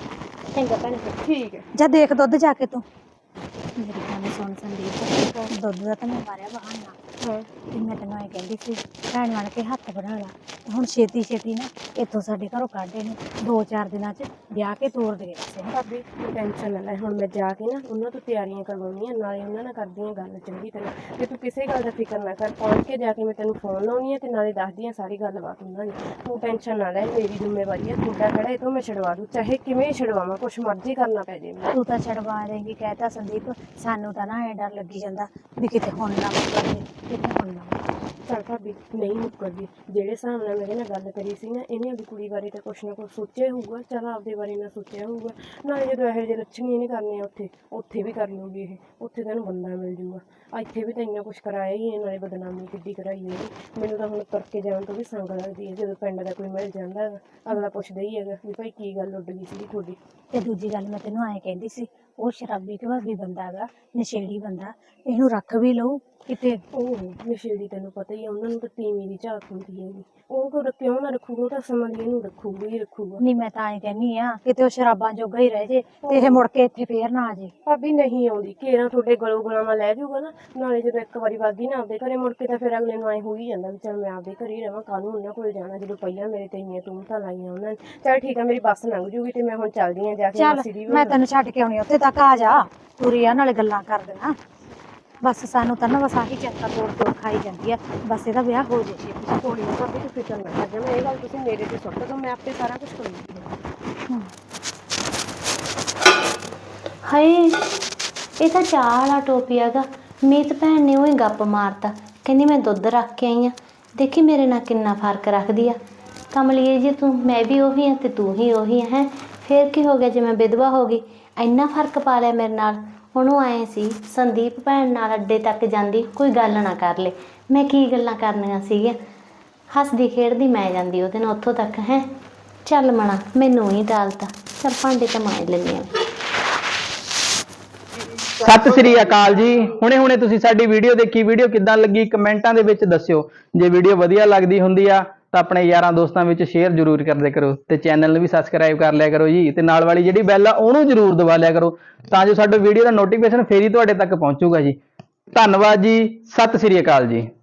Speaker 1: ਚੰਗਾ ਭੈਣੇ।
Speaker 4: ਠੀਕ ਹੈ।
Speaker 2: ਜਾ ਦੇਖ ਦੁੱਧ ਜਾ ਕੇ ਤੂੰ। ਮੇਰੀ ਗੱਲ ਸੁਣ ਸੰਦੀਪ, ਦੁੱਧ ਦਾ ਤਾਂ ਮੈਂ ਮਾਰਿਆ ਬਹਾਨਾ।
Speaker 4: ਹਾਂ।
Speaker 2: ਤੇ ਮੈਂ ਤੈਨੂੰ ਐ ਕਹਿੰਦੀ ਸੀ, ਭੈਣ ਬਣ ਕੇ ਹੱਥ ਬਣਾ ਲਾ। ਹੁਣ ਛੇਤੀ ਛੇਤੀ ਨਾ ਇੱਥੋਂ ਸਾਡੇ ਘਰੋਂ ਕੱਢ ਇਹਨੂੰ, ਦੋ ਚਾਰ ਦਿਨਾਂ 'ਚ ਵਿਆਹ ਕੇ ਤੋਰ ਦੇ ਬਸ ਇਹਨੂੰ।
Speaker 4: ਭਾਬੀ ਤੂੰ ਟੈਨਸ਼ਨ ਨਾ ਲੈ, ਹੁਣ ਮੈਂ ਜਾ ਕੇ ਨਾ ਉਹਨਾਂ ਤੋਂ ਤਿਆਰੀਆਂ ਕਰਵਾਉਣੀਆਂ, ਨਾਲੇ ਉਹਨਾਂ ਨਾਲ ਕਰਦੀ ਹਾਂ ਗੱਲ ਚੰਗੀ ਤਰ੍ਹਾਂ, ਤੇ ਤੂੰ ਕਿਸੇ ਗੱਲ ਦਾ ਫਿਕਰ ਨਾ ਕਰ। ਪਹੁੰਚ ਕੇ ਜਾ ਕੇ ਮੈਂ ਤੈਨੂੰ ਫੋਨ ਲਾਉਣੀ ਹੈ ਤੇ ਨਾਲੇ ਦੱਸਦੀ ਹਾਂ ਸਾਰੀ ਗੱਲਬਾਤ ਉਹਨਾਂ ਦੀ। ਤੂੰ ਟੈਨਸ਼ਨ ਨਾ ਲੈ, ਮੇਰੀ ਜ਼ਿੰਮੇਵਾਰੀ ਹੈ, ਤੁਹਾਡਾ ਕਿਹੜਾ ਇਹ ਤੋਂ ਮੈਂ ਛਡਵਾ ਦੂੰ, ਚਾਹੇ ਕਿਵੇਂ ਛਡਵਾਵਾਂ, ਕੁਛ ਮਰਜ਼ੀ ਕਰਨਾ ਪੈ ਜੇ ਮੈਨੂੰ।
Speaker 2: ਤੂੰ ਤਾਂ ਛਡਵਾ ਦੇਂਗੀ ਕਹਿਤਾ ਸੰਦੀਪ, ਸਾਨੂੰ ਤਾਂ ਨਾ ਐ ਡਰ ਲੱਗੀ ਜਾਂਦਾ ਵੀ ਕਿਤੇ ਹੁਣ ਨਾ ਮੁੱਕਰ ਜੇ, ਕਿਤੇ ਹੁਣ ਨਾ ਮੁੱਕਰ ਜੇ।
Speaker 4: ਚੱਲ ਭਾਬੀ ਨਹੀਂ ਮੁੱਕਰਦੀ, ਜਿਹੜੇ ਹਿਸਾਬ ਨਾਲ ਮੇਰੇ ਨਾਲ ਗੱਲ ਕਰੀ ਸੀ ਨਾ, ਇਹਨੇ ਆਪਣੀ ਕੁੜੀ ਬਾਰੇ ਤਾਂ ਕੁਛ ਨਾ ਕੁਛ ਸੋਚਿਆ ਹੋਊਗਾ, ਚੱਲ ਆਪਦੇ ਬਾਰੇ ਨਾ ਸੋਚਿਆ ਹੋਊਗਾ। ਨਾਲੇ ਜਦੋਂ ਇਹੋ ਜਿਹੇ ਲੱਛਣ ਹੀ ਨਹੀਂ ਕਰਨੇ ਉੱਥੇ ਉੱਥੇ ਵੀ ਕਰ ਲੂਗੀ ਇਹ, ਉੱਥੇ ਤੈਨੂੰ ਬੰਦਾ ਮਿਲ ਜੂਗਾ। ਇੱਥੇ ਵੀ ਤਾਂ ਇੰਨਾ ਕੁਛ ਕਰਾਇਆ ਹੀ ਹੈ, ਨਾਲੇ ਬਦਨਾਮੀ ਕਿੱਡੀ ਕਰਾਈ ਇਹਦੀ। ਮੈਨੂੰ ਤਾਂ ਹੁਣ ਤੁਰ ਕੇ ਜਾਣ ਤੋਂ ਵੀ ਸੰਗ ਲੱਗਦੀ ਹੈ, ਜਦੋਂ ਪਿੰਡ ਦਾ ਕੋਈ ਮਿਲ ਜਾਂਦਾ ਹੈਗਾ ਅਗਲਾ ਪੁੱਛਦਾ ਹੀ ਹੈਗਾ ਵੀ ਭਾਈ ਕੀ ਗੱਲ ਉੱਡ ਗਈ ਸੀਗੀ ਤੁਹਾਡੀ।
Speaker 2: ਤੇ ਦੂਜੀ ਗੱਲ ਮੈਂ ਤੈਨੂੰ ਐਂ ਕਹਿੰਦੀ ਸੀ, ਉਹ ਸ਼ਰਾਬੀ ਘਵਾਬੀ ਬੰਦਾ ਹੈਗਾ, ਨਸ਼ੇੜੀ ਬੰਦਾ, ਇਹਨੂੰ ਰੱਖ ਵੀ ਲਊ ਕਿਤੇ।
Speaker 4: ਉਹ ਨਸ਼ੇੜੀ ਤੈਨੂੰ ਪਤਾ ਹੀ ਆ, ਉਹਨਾਂ ਨੂੰ ਤਾਂ ਤੀਵੀਂ ਦੀ ਝਾਕ ਹੁੰਦੀ ਹੈਗੀ, ਉਹ ਕਿਉਂ ਕਿਉਂ ਨਾ ਰੱਖੂਗਾ, ਉਹ ਤਾਂ ਸਮਾਂ ਦੀ ਇਹਨੂੰ ਰੱਖੂਗਾ ਹੀ ਰੱਖੂਗਾ।
Speaker 2: ਨਹੀਂ ਮੈਂ ਤਾਂ ਐਂ ਕਹਿੰਦੀ ਆ ਕਿਤੇ ਉਹ ਸ਼ਰਾਬਾਂ ਜੋਗਾ ਹੀ ਰਹਿ ਜੇ ਤੇ ਇਹ ਮੁੜ ਕੇ ਇੱਥੇ ਫੇਰ ਨਾ ਆ ਜੇ।
Speaker 4: ਭਾਬੀ ਨਹੀਂ ਆਉਂਦੀ, ਘੇਰਾ ਤੁਹਾਡੇ ਗਲੋਂ ਗੁਲਾਮਾਂ ਲੈ ਜਾਊਗਾ ਨਾ, ਨਾਲੇ ਜਦੋਂ ਇੱਕ ਵਾਰੀ ਵਾਗੀ ਨਾ ਆਪਦੇ ਘਰੇ, ਮੁੜ ਕੇ ਤਾਂ ਫਿਰ ਅਗਲੇ ਨੂੰ ਐਂ ਹੋ ਹੀ ਜਾਂਦਾ ਵੀ ਚੱਲ ਮੈਂ ਆਪਦੇ ਘਰੇ ਹੀ ਰਵਾਂ, ਕਾਹਨੂੰ ਉਹਨਾਂ ਕੋਲ ਜਾਣਾ, ਜਦੋਂ ਪਹਿਲਾਂ ਮੇਰੇ ਤੇ ਇੰਨੀਆਂ ਤੂਮਤਾਂ ਲਾਈਆਂ ਉਹਨਾਂ ਨੇ। ਚੱਲ ਠੀਕ ਆ, ਮੇਰੀ ਬੱਸ ਲੰਘ ਜੂਗੀ ਤੇ ਮੈਂ ਹੁਣ ਚੱਲਦੀ ਆ ਜਾ ਕੇ
Speaker 2: ਚੱਲ
Speaker 4: ਮਾਸੀ ਦੀ ਵੀ।
Speaker 2: ਮੈਂ ਤੈਨੂੰ ਛੱਡ ਕੇ ਆਉਣੀ ਉੱਥੇ ਤੱਕ, ਆ ਜਾ ਪੂਰੀ ਆ, ਨਾਲੇ ਗੱਲਾਂ ਕਰ ਦੇਣਾ। ਬਸ ਸਾਨੂੰ ਤਾਂ ਨਾ ਬਸ ਆਹੀ ਚਿੰਤਾ ਤੋੜ ਤੋੜ ਖਾਈ ਜਾਂਦੀ ਆ, ਬਸ ਇਹਦਾ ਵਿਆਹ ਹੋ ਜੇ ਛੇਤੀ।
Speaker 4: ਕੋਈ ਨਾ ਭਾਬੀ ਤੂੰ ਫਿਕਰ ਨਾ ਕਰ, ਮੈਂ ਇਹ ਗੱਲ ਤੁਸੀਂ ਮੇਰੇ ਤੇ ਸੁੱਟ ਦੋ, ਮੈਂ ਆਪੇ ਸਾਰਾ ਕੁਝ ਕਰੂੰਗੀ।
Speaker 1: ਹਾਏ ਇਹ ਤਾਂ ਚਾਹ ਵਾਲਾ ਟੋਪੀ ਹੈਗਾ। ਮੀਤ ਭੈਣ ਨੇ ਉਹੀ ਗੱਪ ਮਾਰਤਾ, ਕਹਿੰਦੀ ਮੈਂ ਦੁੱਧ ਰੱਖ ਕੇ ਆਈ ਆ, ਦੇਖੀ ਮੇਰੇ ਨਾਲ ਕਿੰਨਾ ਫਰਕ ਰੱਖਦੀ ਆ। ਕਮਲੀਏ ਜੀ ਤੂੰ, ਮੈਂ ਵੀ ਉਹੀ ਆ ਤੇ ਤੂੰ ਹੀ ਉਹੀ ਆ ਹੈ, ਫੇਰ ਕੀ ਹੋ ਗਿਆ ਜੇ ਮੈਂ ਵਿਧਵਾ ਹੋ ਗਈ, ਇੰਨਾ ਫਰਕ ਪਾ ਲਿਆ ਮੇਰੇ ਨਾਲ। ਉਹਨੂੰ ਆਏ ਸੀ ਸੰਦੀਪ ਭੈਣ ਨਾਲ ਅੱਡੇ ਤੱਕ ਜਾਂਦੀ ਕੋਈ ਗੱਲ ਨਾ ਕਰ ਲੇ, ਮੈਂ ਕੀ ਗੱਲਾਂ ਕਰਨੀਆਂ ਸੀਗੀਆਂ, ਹੱਸਦੀ ਖੇਡਦੀ ਮੈਂ ਜਾਂਦੀ ਉਹਦੇ ਨਾਲ ਉੱਥੋਂ ਤੱਕ ਹੈ। ਚੱਲ ਮਣਾ ਮੈਨੂੰ ਹੀ ਡਾਲਤਾ, ਚੱਲ ਭਾਂਡੇ ਤਾਂ ਮਾਂਜ ਲੈਂਦੀ ਹਾਂ।
Speaker 3: ਸਤਿ ਸ੍ਰੀ ਅਕਾਲ ਜੀ। ਹੁਣੇ ਹੁਣੇ ਤੁਸੀਂ ਸਾਡੀ ਵੀਡੀਓ ਦੇਖੀ, ਵੀਡੀਓ ਕਿੱਦਾਂ ਲੱਗੀ ਕਮੈਂਟਾਂ ਦੇ ਵਿੱਚ ਦੱਸਿਓ। ਜੇ ਵੀਡੀਓ ਵਧੀਆ ਲੱਗਦੀ ਹੁੰਦੀ ਆ ਤਾਂ ਆਪਣੇ ਯਾਰਾਂ ਦੋਸਤਾਂ ਵਿੱਚ ਸ਼ੇਅਰ ਜ਼ਰੂਰ ਕਰਦੇ ਕਰੋ, ਤੇ ਚੈਨਲ ਨੂੰ ਵੀ ਸਬਸਕ੍ਰਾਈਬ ਕਰ ਲਿਆ ਕਰੋ ਜੀ, ਤੇ ਨਾਲ ਵਾਲੀ ਜਿਹੜੀ ਬੈਲ ਆ ਉਹਨੂੰ ਜ਼ਰੂਰ ਦਬਾ ਲਿਆ ਕਰੋ, ਤਾਂ ਜੋ ਸਾਡੇ ਵੀਡੀਓ ਦਾ ਨੋਟੀਫਿਕੇਸ਼ਨ ਫੇਰ ਹੀ ਤੁਹਾਡੇ ਤੱਕ ਪਹੁੰਚੂਗਾ ਜੀ। ਧੰਨਵਾਦ ਜੀ, ਸਤਿ ਸ੍ਰੀ ਅਕਾਲ ਜੀ।